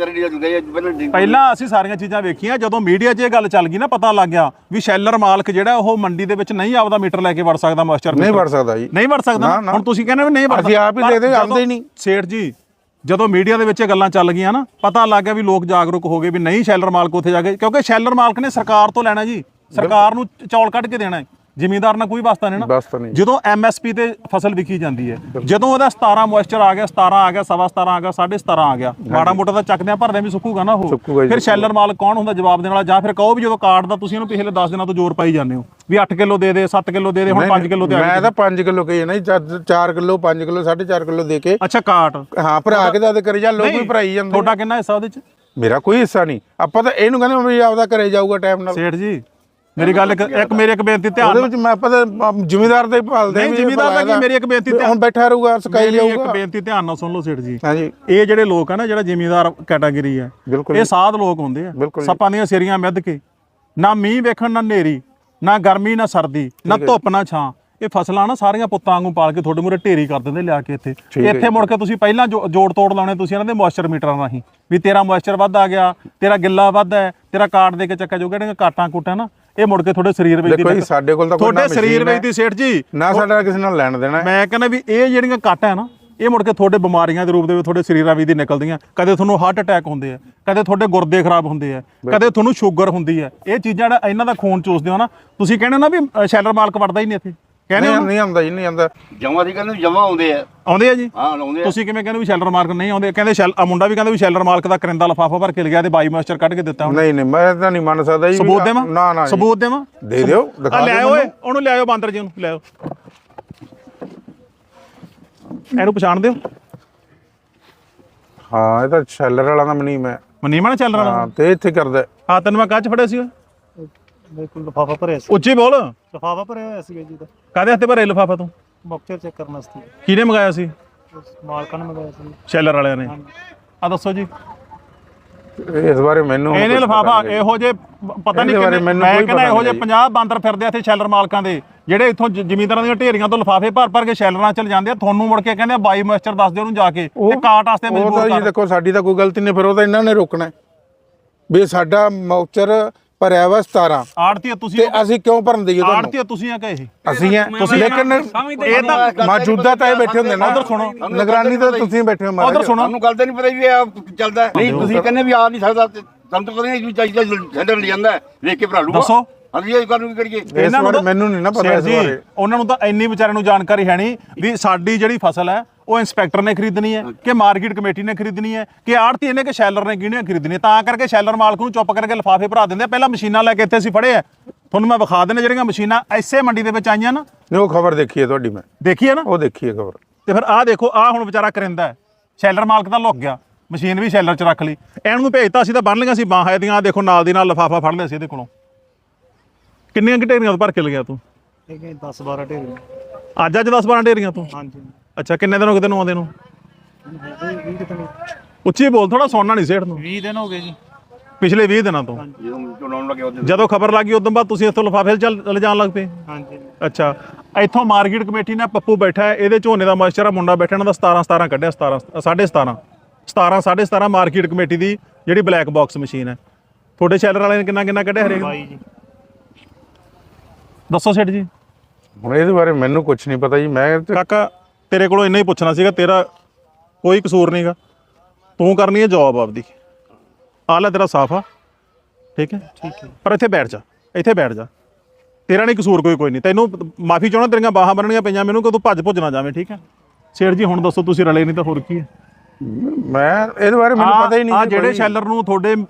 Speaker 1: ਪਹਿਲਾਂ ਅਸੀਂ ਸਾਰੀਆਂ ਚੀਜ਼ਾਂ ਵੇਖੀਆਂ, ਜਦੋਂ ਮੀਡੀਆ 'ਚ ਇਹ ਗੱਲ ਚੱਲ ਗਈ ਨਾ, ਪਤਾ ਲੱਗ ਗਿਆ ਵੀ ਸ਼ੈਲਰ ਮਾਲਕ ਜਿਹੜਾ ਉਹ ਮੰਡੀ ਦੇ ਵਿੱਚ ਨਹੀਂ ਆਪਦਾ ਮੀਟਰ ਲੈ ਕੇ ਵੜ ਸਕਦਾ, ਮਾਸਟਰ
Speaker 4: ਨਹੀਂ ਵੜ ਸਕਦਾ ਜੀ,
Speaker 1: ਨਹੀਂ ਵੜ ਸਕਦਾ। ਹੁਣ ਤੁਸੀਂ ਕਹਿੰਦੇ ਵੀ ਨਹੀਂ ਵੜਦਾ,
Speaker 4: ਅਸੀਂ ਆਪ ਹੀ ਦੇ ਦੇ, ਆਉਂਦੇ ਹੀ ਨਹੀਂ।
Speaker 1: ਸੇਠ ਜੀ ਜਦੋਂ ਮੀਡੀਆ ਦੇ ਵਿੱਚ ਇਹ ਗੱਲਾਂ ਚੱਲ ਗਈਆਂ ਨਾ, ਪਤਾ ਲੱਗ ਗਿਆ ਵੀ ਲੋਕ ਜਾਗਰੂਕ ਹੋ ਗਏ ਵੀ ਨਹੀਂ ਸ਼ੈਲਰ ਮਾਲਕ ਉੱਥੇ ਜਾ ਕੇ, ਕਿਉਂਕਿ ਸ਼ੈਲਰ ਮਾਲਕ ਨੇ ਸਰਕਾਰ ਤੋਂ ਲੈਣਾ ਜੀ, ਸਰਕਾਰ ਨੂੰ ਚੌਲ ਕੱਢ ਕੇ ਦੇਣਾ ਹੈ, ਜ਼ਿਮੀਂਦਾਰ ਨਾਲ ਕੋਈ ਵਾਸਤਾ ਨਹੀਂ ਨਾ। ਜਦੋਂ ਐਮਐਸਪੀ ਤੇ ਫਸਲ ਵਿਕੀ ਜਾਂਦੀ ਹੈ, ਜਦੋਂ ਉਹਦਾ 17 ਮੋਇਸਚਰ ਆ ਗਿਆ, 17 ਆ ਗਿਆ, 17.5 ਆ ਗਿਆ, 17.5 ਆ ਗਿਆ, ਮਾੜਾ ਮੋਟਾ ਤਾਂ ਚੱਕਦਿਆਂ ਭਰਦਿਆਂ ਵੀ ਸੁੱਕੂਗਾ ਨਾ ਉਹ। ਫਿਰ ਸ਼ੈਲਰ ਮਾਲਕ ਕੌਣ ਹੁੰਦਾ ਜਵਾਬ ਦੇਣ ਵਾਲਾ? ਜਾਂ ਫਿਰ ਕਹੋ ਵੀ ਜਦੋਂ ਕਾਰਡ ਦਾ ਤੁਸੀਂ ਇਹਨੂੰ ਪਿਛਲੇ 10 ਦਿਨਾਂ ਤੋਂ ਜ਼ੋਰ ਪਾਈ ਜਾਂਦੇ ਹੋ ਵੀ 8 ਕਿਲੋ ਦੇ ਦੇ, 7 ਕਿਲੋ ਦੇ ਦੇ, ਹੁਣ 5 ਕਿਲੋ ਤੇ ਆ ਗਿਆ।
Speaker 4: ਮੈਂ ਤਾਂ 5 ਕਿਲੋ ਕਹੀ ਨਾ, 4 ਕਿਲੋ, 5 ਕਿਲੋ, 4.5 ਕਿਲੋ ਦੇ ਕੇ।
Speaker 1: ਅੱਛਾ ਕਾਟ,
Speaker 4: ਹਾਂ, ਭਰਾ ਕੇ ਤਾਂ ਕਰੀ ਜਾ, ਲੋਕ ਵੀ ਭਰਾਈ ਜਾਂਦੇ।
Speaker 1: ਤੁਹਾਡਾ ਕਿੰਨਾ ਹਿੱਸਾ ਉਹਦੇ ਚ?
Speaker 4: ਮੇਰਾ ਕੋਈ ਹਿੱਸਾ ਨਹੀਂ। ਆਪਾਂ ਤਾਂ ਇਹਨੂੰ ਕਹਿੰਦੇ ਵੀ ਆਪਦਾ ਘਰੇ ਜਾਊਗਾ ਟਾਈਮ ਨਾਲ।
Speaker 1: ਸੇਠ ਜੀ ਮੇਰੀ ਗੱਲ ਮੇਰੀ ਇੱਕ ਬੇਨਤੀ ਧਿਆਨ
Speaker 4: ਉਹਦੇ ਵਿੱਚ ਮੈਂ ਪਤਾ ਜ਼ਿਮੀਦਾਰ ਦੇ ਭਾਲਦੇ
Speaker 1: ਨਹੀਂ, ਜ਼ਿਮੀਦਾਰ ਦਾ ਕੀ, ਮੇਰੀ ਇੱਕ ਬੇਨਤੀ
Speaker 4: ਹੁਣ ਬੈਠਾ ਰਹੂਗਾ, ਸਕਾਈ ਜਾਊਗਾ।
Speaker 1: ਇੱਕ ਬੇਨਤੀ ਧਿਆਨ ਨਾਲ ਸੁਣ ਲਓ ਸੇਠ ਜੀ।
Speaker 4: ਹਾਂਜੀ,
Speaker 1: ਇਹ ਜਿਹੜੇ ਲੋਕ ਆ ਨਾ, ਜਿਹੜਾ ਜ਼ਿਮੀਦਾਰ ਕੈਟਾਗਰੀ ਹੈ, ਇਹ ਸਾਧ ਲੋਕ ਹੁੰਦੇ ਆ, ਸੱਪਾਂ ਦੀਆਂ ਸਿਰੀਆਂ ਮਿੱਧ ਕੇ, ਨਾ ਮੀਂਹ ਵੇਖਣ, ਨਾ ਹਨੇਰੀ, ਨਾ ਗਰਮੀ, ਨਾ ਸਰਦੀ, ਨਾ ਧੁੱਪ, ਨਾ ਛਾਂ, ਇਹ ਫਸਲਾਂ ਨਾ ਸਾਰੀਆਂ ਪੁੱਤਾਂ ਵਾਂਗੂ ਪਾਲ ਕੇ ਤੁਹਾਡੇ ਮੂਹਰੇ ਢੇਰੀ ਕਰ ਦਿੰਦੇ ਲਿਆ ਕੇ ਇੱਥੇ ਮੁੜ ਕੇ ਤੁਸੀਂ ਪਹਿਲਾਂ ਜੋੜ ਤੋੜ ਲਾਉਣੇ ਤੁਸੀਂ ਇਹਨਾਂ ਦੇ ਮੋਇਸਚਰ ਮੀਟਰਾਂ ਰਾਹੀਂ ਵੀ ਤੇਰਾ ਮੋਇਸਚਰ ਵੱਧ ਆ ਗਿਆ, ਤੇਰਾ ਗਿੱਲਾ ਵੱਧ ਹੈ, ਤੇਰਾ ਕਾਟ ਦੇ ਕੇ ਚੱਕਾ ਜੋ ਕਿਹੜੇ ਕਾਟਾਂ ਕੂਟਾਂ ਨਾ ਇਹ ਮੁੜ ਕੇ ਤੁਹਾਡੇ ਸਰੀਰ ਵਿੱਚ
Speaker 4: ਦੇਖੋ ਜੀ ਸਾਡੇ ਕੋਲ ਤਾਂ ਕੋਈ
Speaker 1: ਤੁਹਾਡੇ ਸਰੀਰ ਵਿੱਚ ਦੀ ਸੇਠ ਜੀ
Speaker 4: ਨਾ ਸਾਡਾ ਕਿਸੇ ਨਾਲ ਲੈਣ ਦੇਣਾ।
Speaker 1: ਮੈਂ ਕਹਿੰਦਾ ਵੀ ਇਹ ਜਿਹੜੀਆਂ ਕਾਟਾਂ ਹੈ ਨਾ ਇਹ ਮੁੜ ਕੇ ਤੁਹਾਡੇ ਬਿਮਾਰੀਆਂ ਦੇ ਰੂਪ ਦੇ ਵਿੱਚ ਤੁਹਾਡੇ ਸਰੀਰਾਂ ਵਿੱਚ ਦੀ ਨਿਕਲਦੀਆਂ। ਕਦੇ ਤੁਹਾਨੂੰ ਹਾਰਟ ਅਟੈਕ ਹੁੰਦੇ ਆ, ਕਦੇ ਤੁਹਾਡੇ ਗੁਰਦੇ ਖਰਾਬ ਹੁੰਦੇ ਆ, ਕਦੇ ਤੁਹਾਨੂੰ ਸ਼ੂਗਰ ਹੁੰਦੀ ਹੈ। ਇਹ ਚੀਜ਼ਾਂ ਜਿਹੜਾ ਇਹਨਾਂ ਦਾ ਖੂਨ ਚੂਸਦੇ ਹੋ ਨਾ ਤੁਸੀਂ ਕਹਿੰਦੇ ਨਾ ਵੀ ਸ਼ੈਲਰ ਮਾਲਕ ਵੜਦਾ ਹੀ ਨਹੀਂ ਇੱਥੇ, ਕਹਿੰਦੇ
Speaker 4: ਨਹੀਂ ਆਉਂਦਾ ਜੀ, ਨਹੀਂ ਆਉਂਦਾ।
Speaker 5: ਜਮਾਂ ਦੀ ਕਹਿੰਦੇ ਜਮਾਂ ਆਉਂਦੇ ਆ
Speaker 1: ਜੀ।
Speaker 5: ਹਾਂ ਆਉਂਦੇ ਆ।
Speaker 1: ਤੁਸੀਂ ਕਿਵੇਂ ਕਹਿੰਦੇ ਵੀ ਸ਼ੈਲਰ ਮਾਲਕ ਨਹੀਂ ਆਉਂਦੇ? ਕਹਿੰਦੇ ਮੁੰਡਾ ਵੀ ਕਹਿੰਦਾ ਵੀ ਸ਼ੈਲਰ ਮਾਲਕ ਦਾ ਕਰਿੰਦਾ ਲਿਫਾਫਾ ਭਰ ਕੇ ਲਿਆ ਤੇ ਬਾਈ ਮਾਸਟਰ ਕੱਢ ਕੇ ਦਿੱਤਾ।
Speaker 4: ਨਹੀਂ ਨਹੀਂ ਮੈਂ ਤਾਂ ਨਹੀਂ ਮੰਨ ਸਕਦਾ ਜੀ।
Speaker 1: ਸਬੂਤ ਦੇਵਾਂ?
Speaker 4: ਨਾ
Speaker 1: ਸਬੂਤ ਦੇਵਾਂ?
Speaker 4: ਦੇ ਦਿਓ, ਦਿਖਾ
Speaker 1: ਲੈ ਓਏ ਉਹਨੂੰ ਲਿਆਓ ਬਾਂਦਰ ਜੀ ਨੂੰ ਲਿਆਓ। ਇਹਨੂੰ ਪਛਾਣਦੇ ਹੋ?
Speaker 4: ਹਾਂ ਇਹ ਤਾਂ ਸ਼ੈਲਰ ਵਾਲਾ ਦਾ ਮਨੀਮ ਹੈ।
Speaker 1: ਮਨੀਮਾ ਨਾ ਸ਼ੈਲਰ ਵਾਲਾ?
Speaker 4: ਹਾਂ ਤੇ ਇੱਥੇ ਕਰਦਾ।
Speaker 1: ਹਾਂ ਤੈਨੂੰ ਮੈਂ ਕੱਚ ਫੜਿਆ ਸੀ
Speaker 6: ਬਿਲਕੁਲ ਲਿਫਾਫਾ ਭਰਿਆ ਸੀ।
Speaker 1: ਉੱਚੀ ਬੋਲ।
Speaker 6: ਲਿਫਾਫਾ ਭਰਿਆ ਹੋਇਆ ਸੀਗਾ ਜੀ ਦਾ।
Speaker 1: ਕਾਹਦੇ ਹੱਥੇ ਭਰੇ ਲਿਫਾਫਾ ਤੂੰ?
Speaker 6: ਮੌਕਚਰ ਚੈੱਕ ਕਰਨ ਵਾਸਤੇ
Speaker 1: ਕਿਹਨੇ ਮੰਗਾਇਆ ਸੀ?
Speaker 6: ਮਾਲਕਾਂ ਨੇ ਮੰਗਾਇਆ ਸੀ।
Speaker 1: ਸ਼ੈਲਰ ਵਾਲਿਆਂ ਨੇ? ਆ ਦੱਸੋ ਜੀ।
Speaker 4: ਇਸ ਬਾਰੇ ਮੈਨੂੰ
Speaker 1: ਇਹਨੇ ਲਿਫਾਫਾ ਇਹੋ ਜੇ ਪਤਾ ਨਹੀਂ ਕਿੰਨੇ, ਮੈਂ ਕਹਿੰਦਾ ਇਹੋ ਜੇ 50 ਬਾਂਦਰ ਫਿਰਦੇ ਆ ਇੱਥੇ ਸ਼ੈਲਰ ਮਾਲਕਾਂ ਦੇ ਜਿਹੜੇ ਇੱਥੋਂ ਜ਼ਮੀਨਦਾਰਾਂ ਦੀਆਂ ਢੇਰੀਆਂ ਤੋਂ ਲਿਫਾਫੇ ਭਰ ਕੇ ਸ਼ੈਲਰਾਂ ਚਲ ਜਾਂਦੇ ਆ। ਤੁਹਾਨੂੰ ਮੁੜ ਕੇ ਕਹਿੰਦੇ ਬਾਈ ਮਾਸਟਰ ਦੱਸ ਦਿਓ ਉਹਨੂੰ ਜਾ ਕੇ ਤੇ ਕਾਟ ਵਾਸਤੇ ਮਜਬੂਰ ਕਰ।
Speaker 4: ਜੀ ਦੇਖੋ ਸਾਡੀ ਤਾਂ ਕੋਈ ਗਲਤੀ ਨਹੀਂ, ਫਿਰ ਉਹ ਤਾਂ ਇਹਨਾਂ ਨੇ ਰੋਕਣਾ ਵੀ ਸਾਡਾ ਮੌਕਚਰ ਭਰਿਆ ਵਾ 17
Speaker 1: ਆੜਤੀ ਤੁਸੀਂ
Speaker 4: ਤੇ ਅਸੀਂ ਕਿਉਂ ਭਰਨ ਦਈਏ ਤੁਹਾਨੂੰ?
Speaker 1: ਆੜਤੀ ਤੁਸੀਂ ਆ ਕਹੇ
Speaker 4: ਅਸੀਂ ਆ ਲੇਕਿਨ
Speaker 1: ਇਹ ਤਾਂ
Speaker 4: ਮੌਜੂਦਾ ਤਾਂ ਇਹ ਬੈਠੇ ਹੁੰਦੇ ਨਾ।
Speaker 1: ਉਧਰ ਸੁਣੋ,
Speaker 4: ਨਿਗਰਾਨੀ ਤਾਂ ਤੁਸੀਂ ਬੈਠੇ ਹੋ ਮਹਾਰਾਜ।
Speaker 1: ਉਧਰ ਸੁਣੋ।
Speaker 5: ਤੁਹਾਨੂੰ ਗੱਲ ਤਾਂ ਨਹੀਂ ਪਤਾ ਵੀ ਇਹ ਚੱਲਦਾ ਨਹੀਂ। ਤੁਸੀਂ ਕਹਿੰਦੇ ਵੀ ਆ ਨਹੀਂ ਸਕਦਾ, ਤੁਹਾਨੂੰ ਤਾਂ ਪਤਾ ਨਹੀਂ ਵੀ ਚਾਹੀਦਾ ਹੈਂਡਲ ਲੈ ਜਾਂਦਾ ਵੇਖ ਕੇ ਭਰਾ ਲੂਗਾ।
Speaker 1: ਦੱਸੋ
Speaker 5: ਅਸੀਂ ਇਹ ਕਰਨ ਕੀ ਕਰੀਏ?
Speaker 4: ਇਹਨਾਂ ਨੂੰ ਮੈਨੂੰ ਨਹੀਂ ਨਾ ਪਤਾ ਇਸ ਬਾਰੇ।
Speaker 1: ਉਹਨਾਂ ਨੂੰ ਤਾਂ ਇੰਨੀ ਵਿਚਾਰਿਆਂ ਨੂੰ ਜਾਣਕਾਰੀ ਹੈ ਨਹੀਂ ਵੀ ਸਾਡੀ ਜਿਹੜੀ ਫਸਲ ਹੈ ਉਹ ਇੰਸਪੈਕਟਰ ਨੇ ਖਰੀਦਣੀ ਹੈ ਕਿ ਮਾਰਕੀਟ ਕਮੇਟੀ ਨੇ ਖਰੀਦਣੀ ਹੈ ਕਿ ਆੜਤੀ ਨੇ ਕਿ ਸ਼ੈਲਰ ਨੇ ਕਿਹਨੇ ਖਰੀਦਣੀ ਹੈ। ਤਾਂ ਕਰਕੇ ਸ਼ੈਲਰ ਮਾਲਕ ਨੂੰ ਚੁੱਪ ਕਰਕੇ ਲਿਫਾਫੇ ਭਰਾ ਦਿੰਦੇ ਆ। ਪਹਿਲਾਂ ਮਸ਼ੀਨਾਂ ਲੈ ਕੇ ਇੱਥੇ ਅਸੀਂ ਫੜੇ ਆ, ਤੁਹਾਨੂੰ ਮੈਂ ਵਿਖਾ ਦੇਣਾ ਜਿਹੜੀਆਂ ਮਸ਼ੀਨਾਂ ਐਸੇ ਮੰਡੀ ਦੇ ਵਿੱਚ ਆਈਆਂ ਨਾ।
Speaker 4: ਉਹ ਖਬਰ ਦੇਖੀ ਹੈ ਤੁਹਾਡੀ, ਮੈਂ
Speaker 1: ਦੇਖੀ ਹੈ ਨਾ?
Speaker 4: ਉਹ ਦੇਖੀ ਹੈ ਖਬਰ।
Speaker 1: ਤੇ ਫਿਰ ਆਹ ਦੇਖੋ, ਆਹ ਹੁਣ ਵਿਚਾਰਾ ਕਰਿੰਦਾ ਹੈ, ਸ਼ੈਲਰ ਮਾਲਕ ਤਾਂ ਲੁੱਕ ਗਿਆ, ਮਸ਼ੀਨ ਵੀ ਸ਼ੈਲਰ 'ਚ ਰੱਖ ਲਈ। ਇਹਨੂੰ ਭੇਜਤਾ ਅਸੀਂ ਤਾਂ ਬੰਨ ਲਈਆਂ ਸੀ ਬਾਹਾਂ ਇਹਦੀਆਂ। ਦੇਖੋ ਨਾਲ ਦੀ ਨਾਲ ਲਿਫਾਫਾ ਫੜ ਲਿਆ ਸੀ ਇਹਦੇ ਕੋਲੋਂ। ਕਿੰਨੀਆਂ ਢੇਰੀਆਂ ਭਰ ਕੇ ਲਗਿਆ ਤੂੰ?
Speaker 6: ਇਹ 10-12 ਢੇਰੀ।
Speaker 1: ਅੱਜ 10-12 ਢੇਰੀਆਂ ਤੂੰ?
Speaker 6: ਹਾਂਜੀ।
Speaker 1: ਅੱਛਾ ਕਿੰਨੇ ਦਿਨ ਹੋ ਗਏ ਤੈਨੂੰ ਆਉਂਦੇ ਨੂੰ?
Speaker 6: 20 ਦਿਨ।
Speaker 1: ਉੱਚੀ ਬੋਲ, ਥੋੜਾ ਸੁਣਨਾ ਨਹੀਂ ਸੇਠ ਨੂੰ।
Speaker 6: 20 ਦਿਨ ਹੋ ਗਏ ਜੀ।
Speaker 1: ਪਿਛਲੇ 20 ਦਿਨਾਂ ਤੋਂ
Speaker 5: ਜਦੋਂ ਚਲਾਉਣ ਲੱਗੇ ਉਹਦੇ
Speaker 1: ਜਦੋਂ ਖਬਰ ਲੱਗੀ ਉਦੋਂ ਬਾਅਦ ਤੁਸੀਂ ਇੱਥੋਂ ਲਿਫਾਫੇ ਚੱਲ ਜਾਣ ਲੱਗ ਪਏ?
Speaker 6: ਹਾਂਜੀ।
Speaker 1: ਅੱਛਾ ਇੱਥੋਂ ਮਾਰਕੀਟ ਕਮੇਟੀ ਨੇ ਪੱਪੂ ਬੈਠਾ ਹੈ, ਇਹਦੇ ਝੋਨੇ ਦਾ ਮੋਇਸਚਰ ਆ, ਮੁੰਡਾ ਬੈਠਾ ਇਹਨਾਂ ਦਾ 17 ਕੱਢਿਆ। 17.5 ਮਾਰਕੀਟ ਕਮੇਟੀ ਦੀ ਜਿਹੜੀ ਬਲੈਕ ਬਾਕਸ ਮਸ਼ੀਨ ਹੈ। ਤੁਹਾਡੇ ਸ਼ੈਲਰ ਵਾਲੇ ਨੇ ਕਿੰਨਾ ਕੱਢਿਆ ਹਰੇਕ?
Speaker 6: 22 ਜੀ।
Speaker 1: ਦੱਸੋ ਸੇਠ ਜੀ।
Speaker 4: ਹੁਣ ਇਹਦੇ ਬਾਰੇ ਮੈਨੂੰ ਕੁਝ ਨਹੀਂ ਪਤਾ ਜੀ। ਮੈਂ
Speaker 1: ਕਾਕਾ ਤੇਰੇ ਕੋਲੋਂ ਇੰਨਾ ਹੀ ਪੁੱਛਣਾ ਸੀਗਾ, ਤੇਰਾ ਕੋਈ ਕਸੂਰ ਨਹੀਂਗਾ, ਤੂੰ ਕਰਨੀ ਹੈ ਜੌਬ ਆਪਦੀ। ਆਹ ਲੈ ਤੇਰਾ ਸਾਫ ਆ, ਠੀਕ ਹੈ?
Speaker 6: ਠੀਕ ਹੈ।
Speaker 1: ਪਰ ਇੱਥੇ ਬੈਠ ਜਾ, ਇੱਥੇ ਬੈਠ ਜਾ, ਤੇਰਾ ਨਹੀਂ ਕਸੂਰ ਕੋਈ ਨਹੀਂ। ਤੈਨੂੰ ਮਾਫੀ ਚਾਹਣਾ, ਤੇਰੀਆਂ ਬਾਹਾਂ ਬੰਨਣੀਆਂ ਪਈਆਂ ਮੈਨੂੰ ਕਿ ਤੂੰ ਭੱਜ ਨਾ ਜਾਵੇਂ, ਠੀਕ ਹੈ? ਸੇਠ ਜੀ ਹੁਣ ਦੱਸੋ, ਤੁਸੀਂ ਰਲੇ ਨਹੀਂ ਤਾਂ ਹੋਰ ਕੀ ਹੈ?
Speaker 4: ਮੈਂ ਇਹਦੇ ਬਾਰੇ ਮੈਨੂੰ ਪਤਾ ਹੀ ਨਹੀਂ।
Speaker 1: ਆ ਜਿਹੜੇ ਸ਼ੈਲਰ ਨੂੰ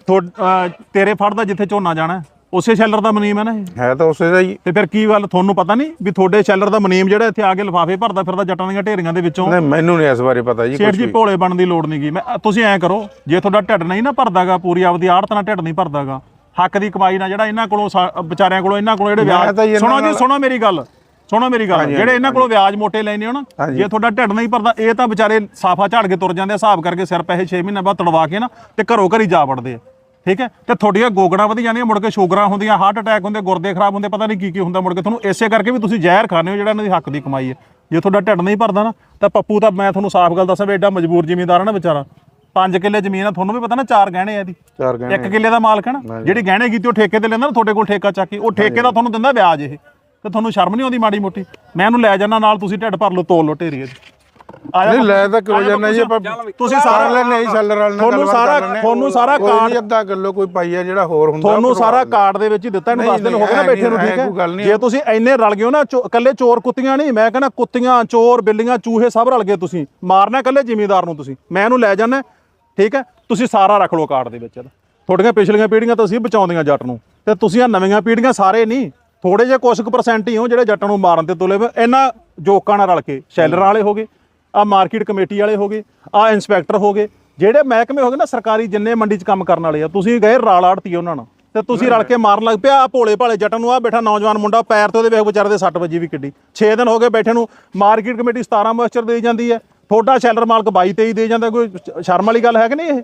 Speaker 1: ਤੇਰੇ ਫੜਦਾ ਜਿੱਥੇ ਝੋਨਾ ਜਾਣਾ ਉਸੇ ਸ਼ੈਲਰ ਦਾ ਮਨੀਮ ਹੈ ਨਾ ਇਹ?
Speaker 4: ਹੈ ਤਾਂ ਉਸੇ ਦਾ ਹੀ।
Speaker 1: ਤੇ ਫਿਰ ਕੀ ਗੱਲ, ਤੁਹਾਨੂੰ ਪਤਾ ਨਹੀਂ ਵੀ ਤੁਹਾਡੇ ਸ਼ੈਲਰ ਦਾ ਮਨੀਮ ਜਿਹੜਾ ਇੱਥੇ ਆ ਕੇ ਲਿਫਾਫੇ ਭਰਦਾ ਫਿਰਦਾ ਜੱਟਾਂ ਦੀਆਂ ਢੇਰੀਆਂ ਦੇ ਵਿੱਚੋਂ?
Speaker 4: ਨਹੀਂ ਮੈਨੂੰ ਨਹੀਂ ਇਸ ਬਾਰੇ ਪਤਾ ਜੀ।
Speaker 1: ਸੇਠ ਜੀ ਭੋਲੇ ਬਣਨ ਦੀ ਲੋੜ ਨਹੀਂਗੀ। ਤੁਸੀਂ ਐਂ ਕਰੋ, ਜੇ ਤੁਹਾਡਾ ਢਿੱਡ ਨਹੀਂ ਨਾ ਭਰਦਾਗਾ, ਪੂਰੀ ਆਪਦੀ ਆੜਤ ਨਾਲ ਢਿੱਡ ਨਹੀਂ ਭਰਦਾਗਾ, ਹੱਕ ਦੀ ਕਮਾਈ ਨਾਲ ਜਿਹੜਾ ਇਹਨਾਂ ਕੋਲੋਂ ਵਿਚਾਰਿਆਂ ਕੋਲੋਂ ਇਹਨਾਂ ਕੋਲੋਂ ਜਿਹੜੇ ਵਿਆਜ, ਸੁਣੋ ਮੇਰੀ ਗੱਲ, ਜਿਹੜੇ ਇਹਨਾਂ ਕੋਲੋਂ ਵਿਆਜ ਮੋਟੇ ਲੈਣੇ ਹੋ ਨਾ, ਜੇ ਤੁਹਾਡਾ ਢਿੱਡ ਨਹੀਂ ਭਰਦਾ, ਇਹ ਤਾਂ ਵਿਚਾਰੇ ਸਾਫਾ ਝਾੜ ਕੇ ਤੁਰ ਜਾਂਦੇ, ਹਿਸਾਬ ਕਰਕੇ ਸਿਰ ਪੈਸੇ 6 ਮਹੀਨੇ ਬਾਅਦ ਤੜਵਾ ਕੇ ਨਾ ਤੇ ਘਰੋਂ ਘਰੀ ਜਾ ਵੜਦੇ ਆ, ਠੀਕ ਹੈ? ਤੇ ਤੁਹਾਡੀਆਂ ਗੋਗੜਾਂ ਵਧੀ ਜਾਂਦੀਆਂ, ਮੁੜ ਕੇ ਸ਼ੂਗਰਾਂ ਹੁੰਦੀਆਂ, ਹਾਰਟ ਅਟੈਕ ਹੁੰਦੇ, ਗੁਰਦੇ ਖਰਾਬ ਹੁੰਦੇ, ਪਤਾ ਨਹੀਂ ਕੀ ਹੁੰਦਾ ਮੁੜ ਕੇ ਤੁਹਾਨੂੰ। ਇਸੇ ਕਰਕੇ ਵੀ ਤੁਸੀਂ ਜ਼ਹਿਰ ਖਾਣੇ ਹੋ ਜਿਹੜਾ ਇਹਨਾਂ ਦੀ ਹੱਕ ਦੀ ਕਮਾਈ ਹੈ। ਜੇ ਤੁਹਾਡਾ ਢਿੱਡ ਨਹੀਂ ਭਰਦਾ ਨਾ ਤਾਂ ਪੱਪੂ ਤਾਂ ਮੈਂ ਤੁਹਾਨੂੰ ਸਾਫ਼ ਗੱਲ ਦੱਸਾਂ ਵੀ ਐਡਾ ਮਜਬੂਰ ਜ਼ਿਮੀਂਦਾਰ ਹੈ ਨਾ ਵਿਚਾਰਾ। 5 ਕਿੱਲੇ ਜ਼ਮੀਨ ਆ, ਤੁਹਾਨੂੰ ਵੀ ਪਤਾ ਨਾ, 4 ਗਹਿਣੇ ਆ ਇਹਦੀ, 1 ਕਿੱਲੇ ਦਾ ਮਾਲਕ ਹੈ ਨਾ। ਜਿਹੜੀ ਗਹਿਣੇ ਕੀਤੀ ਉਹ ਠੇਕੇ ਤੇ ਲੈਂਦਾ ਨਾ, ਤੁਹਾਡੇ ਕੋਲ ਠੇਕਾ ਚੱਕ ਕੇ, ਉਹ ਠੇਕੇ ਦਾ ਤੁਹਾਨੂੰ ਦਿੰਦਾ ਵਿਆਜ ਇਹ। ਤੇ ਤੁਹਾਨੂੰ ਸ਼ਰਮ ਨਹੀਂ ਆਉਂਦੀ ਮਾੜੀ ਮੋਟੀ? ਮੈਂ ਇਹਨੂੰ ਲੈ ਜਾਣਾ ਨਾਲ, ਤੁਸੀਂ ਢਿੱਡ ਭਰ ਲਓ, ਤੋਲ ਲਓ ਢੇਰੀ ਇਹਦੀ।
Speaker 4: ਨਹੀਂ ਲੈ ਤਾਂ ਕਿਉਂ ਜਾਣਾ ਜੀ?
Speaker 1: ਤੁਸੀਂ ਸਾਰਾ
Speaker 4: ਲੈਣੇ ਹੀ ਸ਼ੈਲਰ ਵਾਲੇ ਨਾਲ,
Speaker 1: ਤੁਹਾਨੂੰ ਸਾਰਾ ਕਾਰਡ
Speaker 4: ਅੱਧਾ ਕਿਲੋ ਕੋਈ ਪਾਈ ਆ ਜਿਹੜਾ ਹੋਰ ਹੁੰਦਾ,
Speaker 1: ਤੁਹਾਨੂੰ ਸਾਰਾ ਕਾਰਡ ਦੇ ਵਿੱਚ ਹੀ ਦਿੱਤਾ। ਇਹਨੂੰ 10 ਦਿਨ ਹੋ ਗਏ ਨਾ ਬੈਠੇ ਨੂੰ, ਠੀਕ ਹੈ? ਜੇ ਤੁਸੀਂ ਇੰਨੇ ਰਲ ਗਏ ਹੋ ਨਾ, ਇਕੱਲੇ ਚੋਰ ਕੁੱਤੀਆਂ ਨਹੀਂ, ਮੈਂ ਕਹਿੰਦਾ ਕੁੱਤੀਆਂ, ਚੋਰ, ਬਿੱਲੀਆਂ, ਚੂਹੇ ਸਭ ਰਲ ਗਏ ਤੁਸੀਂ ਮਾਰਨਾ ਇਕੱਲੇ ਜ਼ਿਮੀਂਦਾਰ ਨੂੰ। ਤੁਸੀਂ ਮੈਂ ਇਹਨੂੰ ਲੈ ਜਾਣਾ, ਠੀਕ ਹੈ? ਤੁਸੀਂ ਸਾਰਾ ਰੱਖ ਲਓ ਕਾਰਡ ਦੇ ਵਿੱਚ। ਤੁਹਾਡੀਆਂ ਪਿਛਲੀਆਂ ਪੀੜ੍ਹੀਆਂ ਤਾਂ ਅਸੀਂ ਬਚਾਉਂਦੀਆਂ ਜੱਟ ਨੂੰ, ਤੇ ਤੁਸੀਂ ਆ ਨਵੀਆਂ ਪੀੜ੍ਹੀਆਂ ਸਾਰੇ ਨਹੀਂ, ਥੋੜੇ ਜਿਹੇ ਕੁਝ % ਹੀ ਹੋ ਜਿਹੜੇ ਜੱਟਾਂ ਨੂੰ ਮਾਰਨ ਤੇ ਤੁਲੇ। ਇਹਨਾਂ ਜੋਕਾਂ ਨਾਲ ਰਲ ਕੇ ਸ਼ੈਲਰ ਵਾਲੇ ਹੋ ਗਏ, ਆ ਮਾਰਕੀਟ ਕਮੇਟੀ ਵਾਲੇ ਹੋ ਗਏ, ਆ ਇੰਸਪੈਕਟਰ ਹੋ ਗਏ, ਜਿਹੜੇ ਮਹਿਕਮੇ ਹੋ ਗਏ ਨਾ ਸਰਕਾਰੀ, ਜਿੰਨੇ ਮੰਡੀ 'ਚ ਕੰਮ ਕਰਨ ਵਾਲੇ ਆ, ਤੁਸੀਂ ਗਏ ਰਾਲ ਆੜਤੀ ਉਹਨਾਂ ਨਾਲ ਤੇ ਤੁਸੀਂ ਰਲ ਕੇ ਮਾਰਨ ਲੱਗ ਪਿਆ। ਆ ਭੋਲੇ ਭਾਲੇ ਜੱਟਾਂ ਨੂੰ, ਆ ਬੈਠਾ ਨੌਜਵਾਨ ਮੁੰਡਾ ਪੈਰ ਤੇ ਉਹਦੇ ਵੇਖ ਵਿਚਾਰੇ ਦੇ 6 ਵਜੇ ਵੀ ਕਿੱਡੀ, 6 ਦਿਨ ਹੋ ਗਏ ਬੈਠੇ ਨੂੰ। ਮਾਰਕੀਟ ਕਮੇਟੀ 17 ਮੋਇਸਚਰ ਦੇ ਜਾਂਦੀ ਹੈ, ਤੁਹਾਡਾ ਸ਼ੈਲਰ ਮਾਲਕ 22-23 ਦੇ ਜਾਂਦਾ। ਕੋਈ ਸ਼ਰਮ ਵਾਲੀ ਗੱਲ ਹੈ ਕਿ ਨਹੀਂ ਇਹ?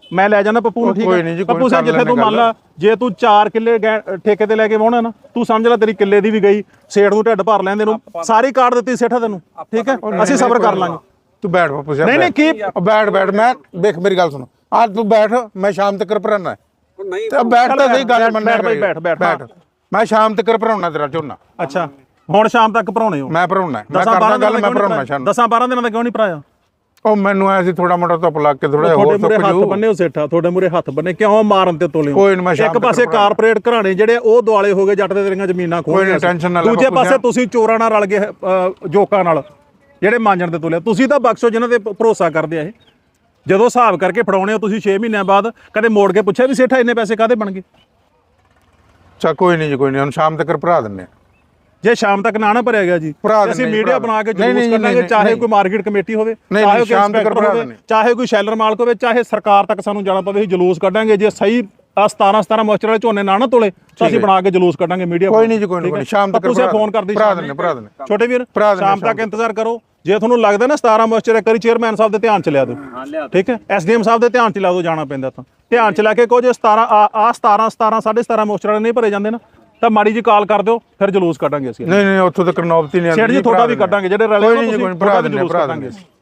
Speaker 1: ਮੈਂ ਲੈ ਜਾਣਾ ਪੱਪੂ ਨੂੰ, ਠੀਕ
Speaker 4: ਕੋਈ ਨਹੀਂ ਜੀ,
Speaker 1: ਹੈ
Speaker 4: ਕੋਈ
Speaker 1: ਪੱਪੂ ਸਿੰਘ,
Speaker 4: ਕਰ
Speaker 1: ਜਿੱਥੇ ਤੂੰ
Speaker 4: ਲੈਂਦੇ
Speaker 1: ਮੰਨ ਲਾ ਜੇ ਤੂੰ 4 ਕਿੱਲੇ ਠੇਕੇ ਤੇ ਲੈ ਕੇ ਵਾਹੁਣਾ ਨਾ, ਤੂੰ ਸਮਝ ਲੈ ਤੇਰੀ ਕਿੱਲੇ ਦੀ ਵੀ ਗਈ, ਸੇਠ ਨੂੰ ਢਿੱਡ ਭਰ ਲੈਂਦੇ ਨੂੰ ਸਾਰੀ ਕਾਟ ਦਿੱਤੀ ਸੇਠਾ ਤੈਨੂੰ, ਠੀਕ ਹੈ ਅਸੀਂ ਸਬਰ ਕਰ ਲਾਂਗੇ।
Speaker 4: ਤੂੰ ਬੈਠ ਬਾਪੂ ਸਾਹਿਬ,
Speaker 1: ਨਹੀਂ ਕੀ
Speaker 4: ਬੈਠ ਮੈਂ ਦੇਖ ਮੇਰੀ ਗੱਲ ਸੁਣ, ਅੱਜ ਤੂੰ ਬੈਠ, ਮੈਂ ਸ਼ਾਮ ਤੱਕ ਭਰਾਉਣਾ
Speaker 3: ਨਹੀਂ
Speaker 4: ਤੇ ਬੈਠ ਤਾਂ ਸਹੀ ਗੱਲ ਮੰਨਿਆ
Speaker 1: ਬੈਠ।
Speaker 4: ਮੈਂ ਸ਼ਾਮ ਤੱਕ ਭਰਾਉਣਾ ਤੇਰਾ ਝੋਨਾ।
Speaker 1: ਅੱਛਾ ਹੁਣ ਸ਼ਾਮ ਤੱਕ ਭਰਾਉਣੇ ਹੋ?
Speaker 4: ਮੈਂ ਭਰਾਉਣਾ, ਮੈਂ ਕਰਦਾ ਗੱਲ, ਮੈਂ ਭਰਾਉਣਾ ਸ਼ਾਮ
Speaker 1: 10-12 ਦਿਨਾਂ ਦਾ ਕਿਉਂ ਨਹੀਂ ਭਰਾਇਆ?
Speaker 4: ਉਹ ਮੈਨੂੰ ਆਇਆ ਸੀ ਥੋੜਾ ਮੋਟਾ ਧੁੱਪ ਲੱਗ ਕੇ ਥੋੜਾ
Speaker 1: ਤੁਹਾਡੇ
Speaker 4: ਹੋਰ
Speaker 1: ਮੂਰੇ
Speaker 4: ਸੁੱਕ
Speaker 1: ਹੱਥ
Speaker 4: ਜੂ।
Speaker 1: ਬੰਨੇ ਹੋ ਸੇਠਾ, ਤੁਹਾਡੇ ਮੂਰੇ ਹੱਥ ਬੰਨੇ ਕਿਉਂ ਮਾਰਨ ਤੇ ਤੋਲੇ ਹੋ?
Speaker 4: ਕੋਈ ਨੀ, ਮੈਂ ਸ਼ਾਮ
Speaker 1: ਇੱਕ
Speaker 4: ਤੱਕ
Speaker 1: ਪਾਸੇ
Speaker 4: ਭਰਾ-
Speaker 1: ਕਾਰਪੋਰੇਟ ਘਰਾਣੇ ਜਿਹੜੇ ਉਹ ਦੁਆਲੇ ਹੋ ਗਏ, ਜੱਟ ਦੇ ਤੇਰੀਆਂ ਜ਼ਮੀਨਾਂ ਖੋਹ
Speaker 4: ਕੋਈ ਨੀ, ਟੈਨਸ਼ਨ ਨਾ ਲੈ
Speaker 1: ਦੂਜੇ
Speaker 4: ਬਾਪੂ
Speaker 1: ਪਾਸੇ
Speaker 4: ਸਾਹਿਬ।
Speaker 1: ਤੁਸੀਂ ਚੋਰਾਂ ਨਾਲ ਰਲ ਗਏ ਜੋਕਾਂ ਨਾਲ, ਜਿਹੜੇ ਮਾਂਜਣ ਤੇ ਤੋਲੇ। ਤੁਸੀਂ ਤਾਂ ਬਖਸ਼ੋ ਜਿਨ੍ਹਾਂ ਤੇ ਭਰੋਸਾ ਕਰਦੇ ਆ ਇਹ, ਜਦੋਂ ਹਿਸਾਬ ਕਰਕੇ ਫੜਾਉਣੇ ਹੋ ਤੁਸੀਂ 6 ਮਹੀਨਿਆਂ ਬਾਅਦ ਕਦੇ ਮੋੜ ਕੇ ਪੁੱਛਿਆ ਵੀ ਸੇਠਾ ਇੰਨੇ ਪੈਸੇ ਕਾਹਦੇ ਬਣ ਗਏ?
Speaker 4: ਚਾ ਕੋਈ ਨਹੀਂ ਜੀ, ਕੋਈ ਨਹੀਂ, ਹੁਣ ਸ਼ਾਮ ਤੱਕ ਭਰਾ ਦਿੰਨੇ ਆ।
Speaker 1: ਜੇ ਸ਼ਾਮ ਤੱਕ ਨਾ ਭਰਿਆ ਗਿਆ ਜੀ,
Speaker 4: ਭਰਾ
Speaker 1: ਅਸੀਂ
Speaker 4: ਦਿੰਦੇ
Speaker 1: ਮੀਡੀਆ
Speaker 4: ਭਰਾ
Speaker 1: ਬਣਾ ਕੇ
Speaker 4: ਨਹੀਂ,
Speaker 1: ਜਲੂਸ
Speaker 4: ਨਹੀਂ,
Speaker 1: ਕੱਢਾਂਗੇ,
Speaker 4: ਨਹੀਂ,
Speaker 1: ਚਾਹੇ
Speaker 4: ਨਹੀਂ।
Speaker 1: ਕੋਈ ਮਾਰਕੀਟ ਕਮੇਟੀ ਹੋਵੇ,
Speaker 4: ਨਹੀਂ,
Speaker 1: ਚਾਹੇ ਕੋਈ
Speaker 4: ਸ਼ਾਮ ਤੱਕ
Speaker 1: ਇੰਸਪੈਕਟਰ
Speaker 4: ਭਰਾ
Speaker 1: ਹੋਵੇ,
Speaker 4: ਦਿੰਦੇ।
Speaker 1: ਚਾਹੇ ਕੋਈ ਸ਼ੈਲਰ ਮਾਲਕ ਹੋਵੇ, ਚਾਹੇ ਸਰਕਾਰ ਤੱਕ ਸਾਨੂੰ ਜਾਣਾ ਪਵੇ, ਅਸੀਂ ਜਲੂਸ ਕੱਢਾਂਗੇ। ਜੇ ਸਹੀ 17 ਮੋਇਸਚਰ ਵਾਲੇ ਝੋਨੇ ਨਾ ਤੋਲੇ ਤਾਂ ਅਸੀਂ ਬਣਾ ਕੇ ਜਲੂਸ ਕੱਢਾਂਗੇ ਮੀਡੀਆ।
Speaker 4: ਕੋਈ ਨਹੀਂ ਜੀ, ਕੋਈ ਨਹੀਂ, ਸ਼ਾਮ ਤੱਕ
Speaker 1: ਤੁਸੀਂ ਫੋਨ ਕਰਦੀ
Speaker 4: ਭਰਾ ਦਿੰਨੇ
Speaker 1: ਛੋਟੇ ਵੀਰ,
Speaker 4: ਭਰਾ ਦਿੰਦੇ
Speaker 1: ਸ਼ਾਮ ਤੱਕ ਇੰਤਜ਼ਾਰ ਕਰੋ। ਜੇ ਤੁਹਾਨੂੰ ਲੱਗਦਾ ਨਾ 17 ਮੋਇਸਚਰ ਇੱਕ ਵਾਰੀ ਚੇਅਰਮੈਨ ਸਾਹਿਬ ਦੇ ਧਿਆਨ ਚ ਲਿਆ ਦਿਓ, ਠੀਕ ਹੈ, ਐਸਡੀਐਮ ਸਾਹਿਬ ਦੇ ਧਿਆਨ ਚ ਲਾ ਦਿਓ, ਜਾਣਾ ਪੈਂਦਾ ਤਾਂ ਧਿਆਨ ਚ ਲੈ ਕੇ ਕਹੋ ਜੇ 17 17.5 ਮੋਇਸਚਰ ਵਾਲੇ ਨਹੀਂ ਭਰੇ ਜਾਂਦੇ ਨਾ ਤਾਂ ਮਾੜੀ ਜੀ ਕਾਲ ਕਰ ਦਿਓ, ਫਿਰ ਜਲੂਸ ਕੱਢਾਂਗੇ ਅਸੀਂ।
Speaker 4: ਨਹੀਂ ਉੱਥੋਂ ਤੱਕ ਨੌਬਤੀ ਨਹੀਂ ਆਉਂਦੀ
Speaker 1: ਸੇਠ ਜੀ ਤੁਹਾਡਾ ਵੀ ਕੱਢਾਂਗੇ, ਜਿਹੜੇ ਰਲੇ
Speaker 4: ਕੋਈ ਨਹੀਂ, ਭਰਾ ਦਿੰਨੇ, ਭਰਾ ਦਿੰਨੇ।